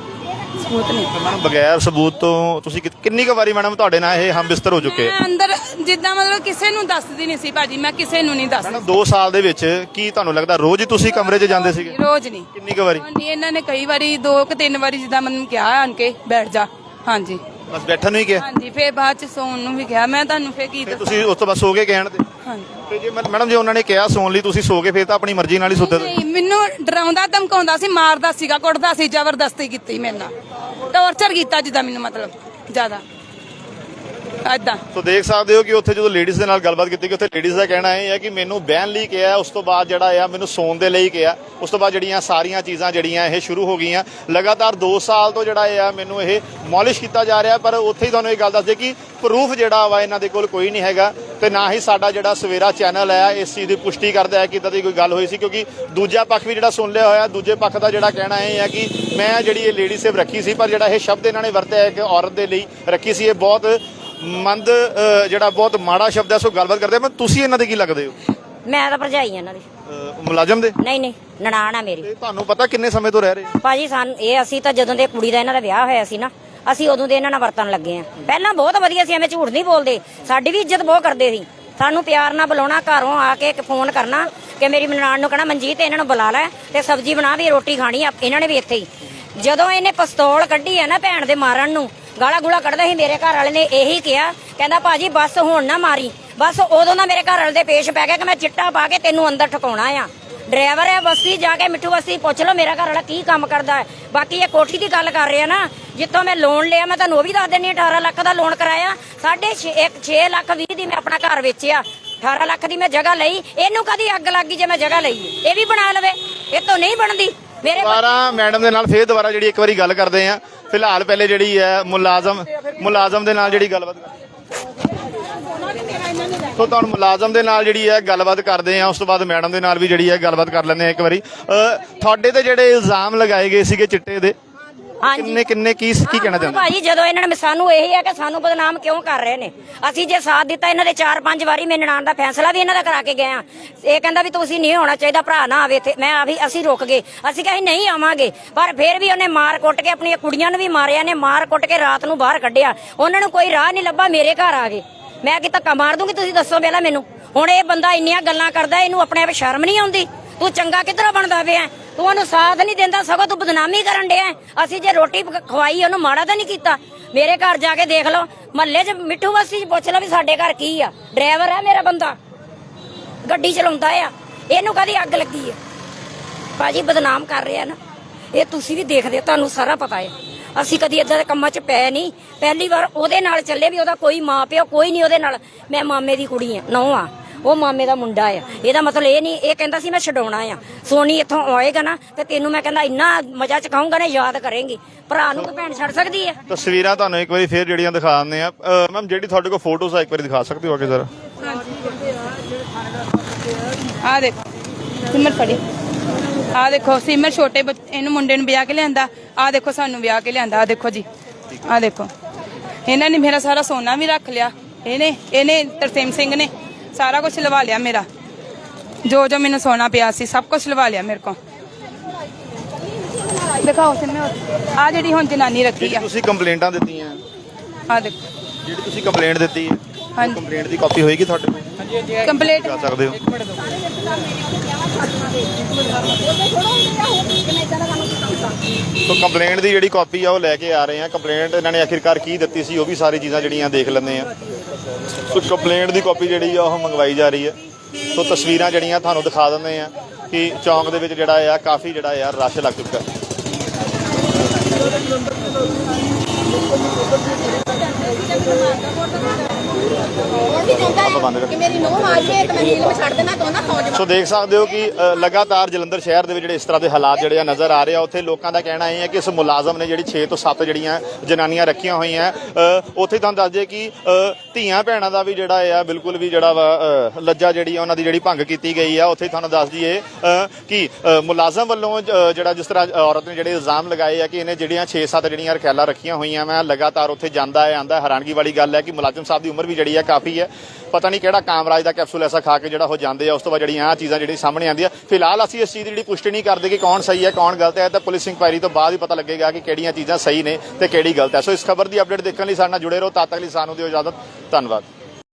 ਮੈਡਮ ਬਗੈਰ ਸਬੂਤ ਤੋਂ ਤੁਸੀਂ ਕਿੰਨੀ ਕੁ ਵਾਰੀ ਮੈਡਮ ਤੁਹਾਡੇ ਨਾਲ ਇਹ ਹਮ ਬਿਸਤਰ ਹੋ ਚੁੱਕੇ?
ਮੈਂ ਅੰਦਰ ਜਿੱਦਾਂ ਮਤਲਬ ਕਿਸੇ ਨੂੰ ਦੱਸਦੀ ਨਹੀਂ ਸੀ ਭਾਜੀ, ਮੈਂ ਕਿਸੇ ਨੂੰ ਨਹੀਂ ਦੱਸਦੀ।
ਮੈਡਮ 2 ਸਾਲ ਦੇ ਵਿੱਚ ਕੀ ਤੁਹਾਨੂੰ ਲੱਗਦਾ ਰੋਜ਼ ਹੀ ਤੁਸੀਂ ਕਮਰੇ 'ਚ ਜਾਂਦੇ ਸੀਗੇ?
ਰੋਜ਼ ਨਹੀਂ।
ਕਿੰਨੀ ਕੁ ਵਾਰੀ?
ਹਾਂਜੀ ਇਹਨਾਂ ਨੇ ਕਈ ਵਾਰੀ 2 ਕਿ 3 ਵਾਰੀ ਜਿੱਦਾਂ ਮੈਨੂੰ ਕਿਹਾ ਆਣ ਕੇ ਬੈਠ ਜਾ। ਹਾਂਜੀ
ਬਸ ਬੈਠਣ ਨੂੰ ਹੀ ਕਿਹਾ?
ਹਾਂਜੀ ਫੇਰ ਬਾਅਦ ਚ ਸੌਣ ਨੂੰ ਵੀ ਕਿਹਾ। ਮੈਂ ਤੁਹਾਨੂੰ ਫੇਰ ਕੀ
ਫਿਰ
ਦੱਸਾਂ।
ਤੁਸੀਂ ਉਸ ਤੋਂ ਬਾਅਦ ਸੋ ਕੇ ਕਹਿਣ ਤੇ?
ਹਾਂਜੀ
ਤੇ ਜੇ ਮੈਡਮ ਜੇ ਉਹਨਾਂ ਨੇ ਕਿਹਾ ਸੌਣ ਲਈ ਤੁਸੀਂ ਸੋ ਕੇ ਫਿਰ ਤਾਂ ਆਪਣੀ ਮਰਜ਼ੀ ਨਾਲ ਹੀ ਸੁੱਤੇ?
ਨਹੀਂ, ਮੈਨੂੰ ਡਰਾਉਂਦਾ ਧਮਕਾਉਂਦਾ ਸੀ, ਮਾਰਦਾ ਸੀਗਾ, ਕੁੱਟਦਾ ਸੀ, ਜ਼ਬਰਦਸਤੀ ਕੀਤੀ ਮੇਰੇ ਨਾਲ, ਟੌਰਚਰ ਕੀਤਾ ਜਿੱਦਾਂ ਮੈਨੂੰ ਮਤਲਬ ਜ਼ਿਆਦਾ ਏਦਾਂ।
ਸੋ ਦੇਖ ਸਕਦੇ ਹੋ ਕਿ ਉੱਥੇ ਜਦੋਂ ਲੇਡੀਜ਼ ਦੇ ਨਾਲ ਗੱਲਬਾਤ ਕੀਤੀ ਕਿ ਉੱਥੇ ਲੇਡੀਜ਼ ਦਾ ਕਹਿਣਾ ਇਹ ਹੈ ਕਿ ਮੈਨੂੰ ਬਹਿਣ ਲਈ ਕਿਹਾ, ਉਸ ਤੋਂ ਬਾਅਦ ਜਿਹੜਾ ਆ ਮੈਨੂੰ ਸੌਣ ਦੇ ਲਈ ਕਿਹਾ, ਉਸ ਤੋਂ ਬਾਅਦ ਜਿਹੜੀਆਂ ਸਾਰੀਆਂ ਚੀਜ਼ਾਂ ਜਿਹੜੀਆਂ ਇਹ ਸ਼ੁਰੂ ਹੋ ਗਈਆਂ। ਲਗਾਤਾਰ 2 ਸਾਲ ਤੋਂ ਜਿਹੜਾ ਆ ਮੈਨੂੰ ਇਹ ਮੌਲਿਸ਼ ਕੀਤਾ ਜਾ ਰਿਹਾ, ਪਰ ਉੱਥੇ ਹੀ ਤੁਹਾਨੂੰ ਇਹ ਗੱਲ ਦੱਸਦੇ ਕਿ ਪ੍ਰੂਫ ਜਿਹੜਾ ਵਾ ਇਹਨਾਂ ਦੇ ਕੋਲ ਕੋਈ ਨਹੀਂ ਹੈਗਾ ਤੇ ਨਾ ਹੀ ਸਾਡਾ ਜਿਹੜਾ ਸਵੇਰਾ ਚੈਨਲ ਹੈ ਇਸ ਚੀਜ਼ ਦੀ ਪੁਸ਼ਟੀ ਕਰਦਾ ਹੈ ਕਿ ਇਦਾਂ ਦੀ ਕੋਈ ਗੱਲ ਹੋਈ ਸੀ, ਕਿਉਂਕਿ ਦੂਜਾ ਪੱਖ ਵੀ ਜਿਹੜਾ ਸੁਣ ਲਿਆ ਹੋਇਆ। ਦੂਜੇ ਪੱਖ ਦਾ ਜਿਹੜਾ ਕਹਿਣਾ ਇਹ ਹੈ ਕਿ ਮੈਂ ਜਿਹੜੀ ਇਹ ਲੇਡੀ ਸੇਵ ਰੱਖੀ ਸੀ, ਪਰ ਜਿਹੜਾ ਇਹ ਸ਼ਬਦ ਇਹਨਾਂ ਨੇ ਵਰਤਿਆ ਹੈ ਕਿ ਔਰਤ ਦੇ ਲਈ ਰੱਖੀ ਸੀ, ਇਹ ਬਹੁਤ ਜਿਹੜਾ ਬਹੁਤ ਮਾੜਾ ਸ਼ਬਦ ਹੈ। ਸੋ ਗੱਲਬਾਤ ਕਰਦੇ ਮੈਂ, ਤੁਸੀਂ ਇਹਨਾਂ ਦੇ ਕੀ ਲੱਗਦੇ ਹੋ?
ਮੈਂ ਤਾਂ ਭਰਜਾਈ ਇਹਨਾਂ ਦੀ।
ਮੁਲਾਜ਼ਮ ਦੇ?
ਨਹੀਂ ਨਨਾਣ ਆ ਮੇਰੀ।
ਤੇ ਤੁਹਾਨੂੰ ਪਤਾ ਕਿੰਨੇ ਸਮੇਂ ਤੋਂ ਰਹਿ ਰਹੇ?
ਭਾਜੀ ਸਾਨੂੰ ਅਸੀਂ ਤਾਂ ਜਦੋਂ ਦੇ ਕੁੜੀ ਦਾ ਇਹਨਾਂ ਦਾ ਵਿਆਹ ਹੋਇਆ ਸੀ ਨਾ, ਅਸੀਂ ਉਦੋਂ ਦੇ ਇਹਨਾਂ ਨਾਲ ਵਰਤਣ ਲੱਗੇ ਆ। ਪਹਿਲਾਂ ਬਹੁਤ ਵਧੀਆ ਸੀ, ਐਵੇਂ ਝੂਠ ਨਹੀਂ ਬੋਲਦੇ, ਸਾਡੀ ਵੀ ਇੱਜ਼ਤ ਬਹੁਤ ਕਰਦੇ ਸੀ। ਸਾਨੂੰ ਪਿਆਰ ਨਾਲ ਬੁਲਾਉਣਾ, ਘਰੋਂ ਆ ਕੇ ਫੋਨ ਕਰਨਾ ਕਿ ਮੇਰੀ ਨਨਾਣ ਨੂੰ ਕਹਿਣਾ ਮਨਜੀਤ ਇਹਨਾਂ ਨੂੰ ਬੁਲਾ ਲੈ ਤੇ ਸਬਜ਼ੀ ਬਣਾ, ਵੀ ਰੋਟੀ ਖਾਣੀ ਆ। ਇਹਨਾਂ ਨੇ ਵੀ ਇੱਥੇ ਹੀ ਜਦੋਂ ਇਹਨੇ ਪਿਸਤੌਲ ਕੱਢੀ ਆ ਨਾ ਭੈਣ ਦੇ ਮਾਰਨ ਨੂੰ, ਗਾਲਾਂ ਗੂਲਾ ਕੱਢਦਾ ਸੀ, ਮੇਰੇ ਘਰ ਵਾਲੇ ਨੇ ਇਹੀ ਕਿਹਾ, ਕਹਿੰਦਾ ਭਾਜੀ ਬਸ ਹੁਣ ਨਾ ਮਾਰੀ। ਬਸ ਉਦੋਂ ਦਾ ਮੇਰੇ ਘਰ ਵਾਲੇ ਦੇ ਪੇਸ਼ ਪੈ ਗਿਆ ਕਿ ਮੈਂ ਚਿੱਟਾ ਪਾ ਕੇ ਤੈਨੂੰ ਅੰਦਰ ਠਕਾਉਣਾ ਆ। ਡਰਾਈਵਰ ਹੈ ਬਸਤੀ, ਜਾ ਕੇ ਮਿੱਠੂ ਬਸਤੀ ਪੁੱਛ ਲਓ ਮੇਰਾ ਘਰ ਵਾਲਾ ਕੀ ਕੰਮ ਕਰਦਾ ਹੈ। ਬਾਕੀ ਇਹ ਕੋਠੀ ਦੀ ਗੱਲ ਕਰ ਰਿਹਾ ਨਾ, ਜਿੱਥੋਂ ਮੈਂ ਲੋਨ ਲਿਆ, ਮੈਂ ਤੁਹਾਨੂੰ ਉਹ ਵੀ ਦੱਸ ਦਿੰਨੀ, 18 ਲੱਖ ਦਾ ਲੋਨ ਕਰਾਇਆ, 6 ਲੱਖ 20 ਦੀ ਮੈਂ ਆਪਣਾ ਘਰ ਵੇਚਿਆ, 18 ਲੱਖ ਦੀ ਮੈਂ ਜਗ੍ਹਾ ਲਈ। ਇਹਨੂੰ ਕਦੀ ਅੱਗ ਲੱਗ ਗਈ ਜੇ ਮੈਂ ਜਗ੍ਹਾ ਲਈ, ਇਹ ਵੀ ਬਣਾ ਲਵੇ, ਇਹ ਤੋਂ ਨਹੀਂ ਬਣਦੀ। ਮੇਰੇ
ਦੁਬਾਰਾ ਮੈਡਮ ਦੇ ਨਾਲ ਫੇਰ ਦੁਬਾਰਾ ਜਿਹੜੀ ਇੱਕ ਵਾਰੀ ਗੱਲ ਕਰਦੇ ਆ। ਫਿਲਹਾਲ ਪਹਿਲੇ ਜਿਹੜੀ ਹੈ ਮੁਲਾਜ਼ਮ ਦੇ ਨਾਲ ਜਿਹੜੀ ਗੱਲਬਾਤ ਸੋ ਤੁਹਾਨੂੰ ਮੁਲਾਜ਼ਮ ਦੇ ਨਾਲ ਜਿਹੜੀ ਹੈ ਗੱਲਬਾਤ ਕਰਦੇ ਆ, ਉਸ ਤੋਂ ਬਾਅਦ ਮੈਡਮ ਦੇ ਨਾਲ ਵੀ ਜਿਹੜੀ ਹੈ ਗੱਲਬਾਤ ਕਰ ਲੈਂਦੇ ਆ ਇੱਕ ਵਾਰੀ। ਤੁਹਾਡੇ ਤੇ ਜਿਹੜੇ ਇਲਜ਼ਾਮ ਲਗਾਏ ਗਏ ਸੀਗੇ ਚਿੱਟੇ ਦੇ, ਕਿੰਨੇ ਕੀ ਕਹਿਣਾ ਚਾਹੁੰਦੇ
ਭਾਜੀ? ਜਦੋਂ ਇਹਨਾਂ ਨੇ ਸਾਨੂੰ ਇਹੀ ਹੈ ਕਿ ਸਾਨੂੰ ਬਦਨਾਮ ਕਿਉਂ ਕਰ ਰਹੇ ਨੇ। ਅਸੀਂ ਜੇ ਸਾਥ ਦਿੱਤਾ ਇਹਨਾਂ ਦੇ 4-5 ਵਾਰੀ, ਮੇਰੇ ਨਨਾਣ ਦਾ ਫੈਸਲਾ ਵੀ ਇਹਨਾਂ ਦਾ ਕਰਾ ਕੇ ਗਏ ਆ। ਇਹ ਕਹਿੰਦਾ ਵੀ ਤੁਸੀਂ ਨਹੀਂ ਹੋਣਾ ਚਾਹੀਦਾ, ਭਰਾ ਨਾ ਆਵੇ ਇੱਥੇ। ਅਸੀਂ ਰੁਕ ਗਏ, ਅਸੀਂ ਕਿਹਾ ਨਹੀਂ ਆਵਾਂਗੇ, ਪਰ ਫਿਰ ਵੀ ਉਹਨੇ ਮਾਰ ਕੁੱਟ ਕੇ ਆਪਣੀਆਂ ਕੁੜੀਆਂ ਨੂੰ ਵੀ ਮਾਰਿਆ ਨੇ, ਮਾਰ ਕੁੱਟ ਕੇ ਰਾਤ ਨੂੰ ਬਾਹਰ ਕੱਢਿਆ। ਉਹਨਾਂ ਨੂੰ ਕੋਈ ਰਾਹ ਨਹੀਂ ਲੱਭਾ, ਮੇਰੇ ਘਰ ਆ ਗਏ। ਮੈਂ ਕਿ ਧੱਕਾ ਮਾਰ ਦੂੰਗੀ, ਤੁਸੀਂ ਦੱਸੋ ਪਹਿਲਾਂ ਮੈਨੂੰ। ਹੁਣ ਇਹ ਬੰਦਾ ਇੰਨੀਆਂ ਗੱਲਾਂ ਕਰਦਾ, ਇਹਨੂੰ ਆਪਣੇ ਆਪ ਸ਼ਰਮ ਨਹੀਂ ਆਉਂਦੀ? ਤੂੰ ਚੰਗਾ ਕਿੱਧਰੋਂ ਬਣਦਾ ਪਿਆ? ਤੂੰ ਉਹਨੂੰ ਸਾਥ ਨਹੀਂ ਦਿੰਦਾ, ਸਗੋਂ ਤੂੰ ਬਦਨਾਮੀ ਕਰਨ ਡਿਆ। ਅਸੀਂ ਜੇ ਰੋਟੀ ਖਵਾਈ ਉਹਨੂੰ, ਮਾੜਾ ਤਾਂ ਨਹੀਂ ਕੀਤਾ। ਮੇਰੇ ਘਰ ਜਾ ਕੇ ਦੇਖ ਲਓ, ਮਹੱਲੇ 'ਚ ਮਿੱਠੂ ਬਸਤੀ 'ਚ ਪੁੱਛ ਲਓ ਵੀ ਸਾਡੇ ਘਰ ਕੀ ਆ। ਡਰਾਈਵਰ ਹੈ ਮੇਰਾ ਬੰਦਾ, ਗੱਡੀ ਚਲਾਉਂਦਾ ਆ, ਇਹਨੂੰ ਕਦੀ ਅੱਗ ਲੱਗੀ ਆ? ਭਾਜੀ ਬਦਨਾਮ ਕਰ ਰਿਹਾ ਨਾ, ਇਹ ਤੁਸੀਂ ਵੀ ਦੇਖਦੇ, ਤੁਹਾਨੂੰ ਸਾਰਾ ਪਤਾ ਹੈ। ਅਸੀਂ ਕਦੀ ਏਦਾਂ ਦੇ ਕੰਮਾਂ 'ਚ ਪੈ ਨਹੀਂ, ਪਹਿਲੀ ਵਾਰ ਉਹਦੇ ਨਾਲ ਚੱਲੇ ਵੀ ਉਹਦਾ ਕੋਈ ਮਾਂ ਪਿਓ ਕੋਈ ਨਹੀਂ ਉਹਦੇ ਨਾਲ। ਮੈਂ ਮਾਮੇ ਦੀ ਕੁੜੀ ਆ, ਨੌਂ ਆ, ਉਹ ਮਾਮੇ ਦਾ ਮੁੰਡਾ ਆ। ਇਹਦਾ ਮਤਲਬ ਇਹ ਨਹੀਂ, ਇਹ ਕਹਿੰਦਾ ਸੀ ਮੈਂ ਛਡਾਉਣਾ ਆ। ਸੋਨੀ ਇੱਥੋਂ ਆਏਗਾ ਨਾ ਤੇ ਤੈਨੂੰ ਮੈਂ ਕਹਿੰਦਾ ਇੰਨਾ ਮਜ਼ਾ ਚਕਾਉਂਗਾ ਨਾ, ਯਾਦ ਕਰੇਂਗੀ। ਭਰਾ ਨੂੰ ਤਾਂ ਭੈਣ ਛੱਡ ਸਕਦੀ ਹੈ।
ਤਸਵੀਰਾਂ ਤੁਹਾਨੂੰ ਇੱਕ ਵਾਰੀ ਫੇਰ ਜਿਹੜੀਆਂ ਦਿਖਾ ਦਿੰਦੇ ਆ। ਮੈਮ ਜਿਹੜੀ ਤੁਹਾਡੇ ਕੋਲ ਫੋਟੋਜ਼ ਆ, ਇੱਕ ਵਾਰੀ ਦਿਖਾ ਸਕਦੇ ਹੋ ਅੱਗੇ ਜ਼ਰਾ?
ਆ ਦੇਖੋ ਸਿਮਰ ਫੜੀ, ਆ ਦੇਖੋ ਸਿਮਰ ਛੋਟੇ ਇਹਨੂੰ ਮੁੰਡੇ ਨੂੰ ਵਿਆਹ ਕੇ ਲਿਆਂਦਾ, ਆ ਦੇਖੋ ਸਾਨੂੰ ਵਿਆਹ ਕੇ ਲਿਆਂਦਾ। ਆ ਦੇਖੋ ਜੀ, ਆ ਦੇਖੋ ਇਹਨਾਂ ਨੇ ਮੇਰਾ ਸਾਰਾ ਸੋਨਾ ਵੀ ਰੱਖ ਲਿਆ। ਇਹਨੇ ਤਰਸੇਮ ਸਿੰਘ ਨੇ ਸਾਰਾ ਕੁਝ ਲਵਾ ਲਿਆ ਮੇਰਾ, ਜੋ ਮੈਨੂੰ ਸੋਨਾ ਪਿਆ ਸੀ ਸਭ ਕੁਝ ਲਵਾ ਲਿਆ ਮੇਰੇ ਕੋਲ। ਦਿਖਾਓ ਸਿਮਰ, ਆ ਜਿਹੜੀ ਹੁਣ ਜਨਾਨੀ ਰੱਖੀ ਆ।
ਤੁਸੀਂ ਕੰਪਲੇਂਟਾਂ ਦਿੱਤੀਆਂ,
ਆ ਦੇਖੋ
ਜਿਹੜੀ ਤੁਸੀਂ ਕੰਪਲੇਂਟ ਦਿੱਤੀ ਹੈ,
ਹਾਂਜੀ
ਕੰਪਲੇਂਟ ਦੀ ਕਾਪੀ ਹੋਏਗੀ ਤੁਹਾਡੇ ਕੋਲ?
ਕੰਪਲੀਟ
ਜਾ ਸਕਦੇ ਹੋ। ਸੋ ਕੰਪਲੇਂਟ ਦੀ ਜਿਹੜੀ ਕਾਪੀ ਆ ਉਹ ਲੈ ਕੇ ਆ ਰਹੇ ਆ। ਕੰਪਲੇਂਟ ਇਹਨਾਂ ਨੇ ਆਖਿਰਕਾਰ ਕੀ ਦਿੱਤੀ ਸੀ, ਉਹ ਵੀ ਸਾਰੀ ਚੀਜ਼ਾਂ ਜਿਹੜੀਆਂ ਦੇਖ ਲੈਂਦੇ ਆ। ਸੋ ਕੰਪਲੇਂਟ ਦੀ ਕਾਪੀ ਜਿਹੜੀ ਆ ਉਹ ਮੰਗਵਾਈ ਜਾ ਰਹੀ ਹੈ। ਸੋ ਤਸਵੀਰਾਂ ਜਿਹੜੀਆਂ ਤੁਹਾਨੂੰ ਦਿਖਾ ਦਿੰਦੇ ਆ ਕਿ ਚੌਂਕ ਦੇ ਵਿੱਚ ਜਿਹੜਾ ਆ ਕਾਫੀ ਜਿਹੜਾ ਆ ਰਸ਼ ਲੱਗ ਚੁੱਕਾ। ਸੋ ਦੇਖ ਸਕਦੇ ਹੋ ਕਿ ਲਗਾਤਾਰ ਜਲੰਧਰ ਸ਼ਹਿਰ ਦੇ ਵਿੱਚ ਜਿਹੜੇ ਇਸ ਤਰ੍ਹਾਂ ਦੇ ਹਾਲਾਤ ਜਿਹੜੇ ਆ ਨਜ਼ਰ ਆ ਰਹੇ ਆ। ਉੱਥੇ ਲੋਕਾਂ ਦਾ ਕਹਿਣਾ ਇਹ ਹੈ ਕਿ ਇਸ ਮੁਲਾਜ਼ਮ ਨੇ ਜਿਹੜੀ 6 ਤੋਂ 7 ਜਿਹੜੀਆਂ ਜਨਾਨੀਆਂ ਰੱਖੀਆਂ ਹੋਈਆਂ, ਉੱਥੇ ਤੁਹਾਨੂੰ ਦੱਸ ਦਈਏ ਕਿ ਧੀਆਂ ਭੈਣਾਂ ਦਾ ਵੀ ਜਿਹੜਾ ਆ ਬਿਲਕੁਲ ਵੀ ਜਿਹੜਾ ਵਾ ਲੱਜਾ ਜਿਹੜੀ ਆ ਉਹਨਾਂ ਦੀ ਜਿਹੜੀ ਭੰਗ ਕੀਤੀ ਗਈ ਆ। ਉੱਥੇ ਤੁਹਾਨੂੰ ਦੱਸ ਦਈਏ ਕਿ ਮੁਲਾਜ਼ਮ ਵੱਲੋਂ ਜਿਹੜਾ ਜਿਸ ਤਰ੍ਹਾਂ ਔਰਤ ਨੇ ਜਿਹੜੇ ਇਲਜ਼ਾਮ ਲਗਾਏ ਆ ਕਿ ਇਹਨੇ ਜਿਹੜੀਆਂ 6-7 ਜਿਹੜੀਆਂ ਰਖਿਆਲਾਂ ਰੱਖੀਆਂ ਹੋਈਆਂ ਮੈਂ ਲਗਾਤਾਰ ਉੱਥੇ ਜਾਂਦਾ ਹੈ ਆਂਦਾ। ਹੈਰਾਨਗੀ ਵਾਲੀ ਗੱਲ ਹੈ ਕਿ ਮੁਲਾਜ਼ਮ ਸਾਹਿਬ ਦੀ ਉਮਰ ਵੀ ਜਿਹੜੀ ਆ ਕਾਫੀ ਹੈ। ਪਤਾ ਨਹੀਂ ਕਿਹੜਾ ਕਾਮਰਾਜ ਦਾ ਕੈਪਸੂਲ ਐਸਾ ਖਾ ਕੇ ਜਿਹੜਾ ਹੋ ਜਾਂਦੇ ਆ। ਉਸ ਤੋਂ ਬਾਅਦ ਜਿਹੜੀਆਂ ਆਹ ਚੀਜ਼ਾਂ ਜਿਹੜੀ ਸਾਹਮਣੇ ਆਉਂਦੀਆਂ। ਫਿਲਹਾਲ ਅਸੀਂ ਇਸ ਚੀਜ਼ ਦੀ ਜਿਹੜੀ ਪੁਸ਼ਟੀ ਨਹੀਂ ਕਰਦੇ ਕਿ ਕੌਣ ਸਹੀ ਹੈ ਕੌਣ ਗਲਤ ਹੈ, ਤਾਂ ਪੁਲਿਸ ਇਨਕੁਆਇਰੀ ਤੋਂ ਬਾਅਦ ਹੀ ਪਤਾ ਲੱਗੇਗਾ ਕਿ ਕਿਹੜੀਆਂ ਚੀਜ਼ਾਂ ਸਹੀ ਨੇ ਤੇ ਕਿਹੜੀ ਗਲਤ ਹੈ। ਸੋ ਇਸ ਖਬਰ ਦੀ ਅਪਡੇਟ ਦੇਖਣ ਲਈ ਸਾਡੇ ਨਾਲ ਜੁੜੇ ਰਹੋ। ਤਦ ਤੱਕ ਲਈ ਸਾਨੂੰ ਦਿਓ ਇਜਾਜ਼ਤ। ਧੰਨਵਾਦ।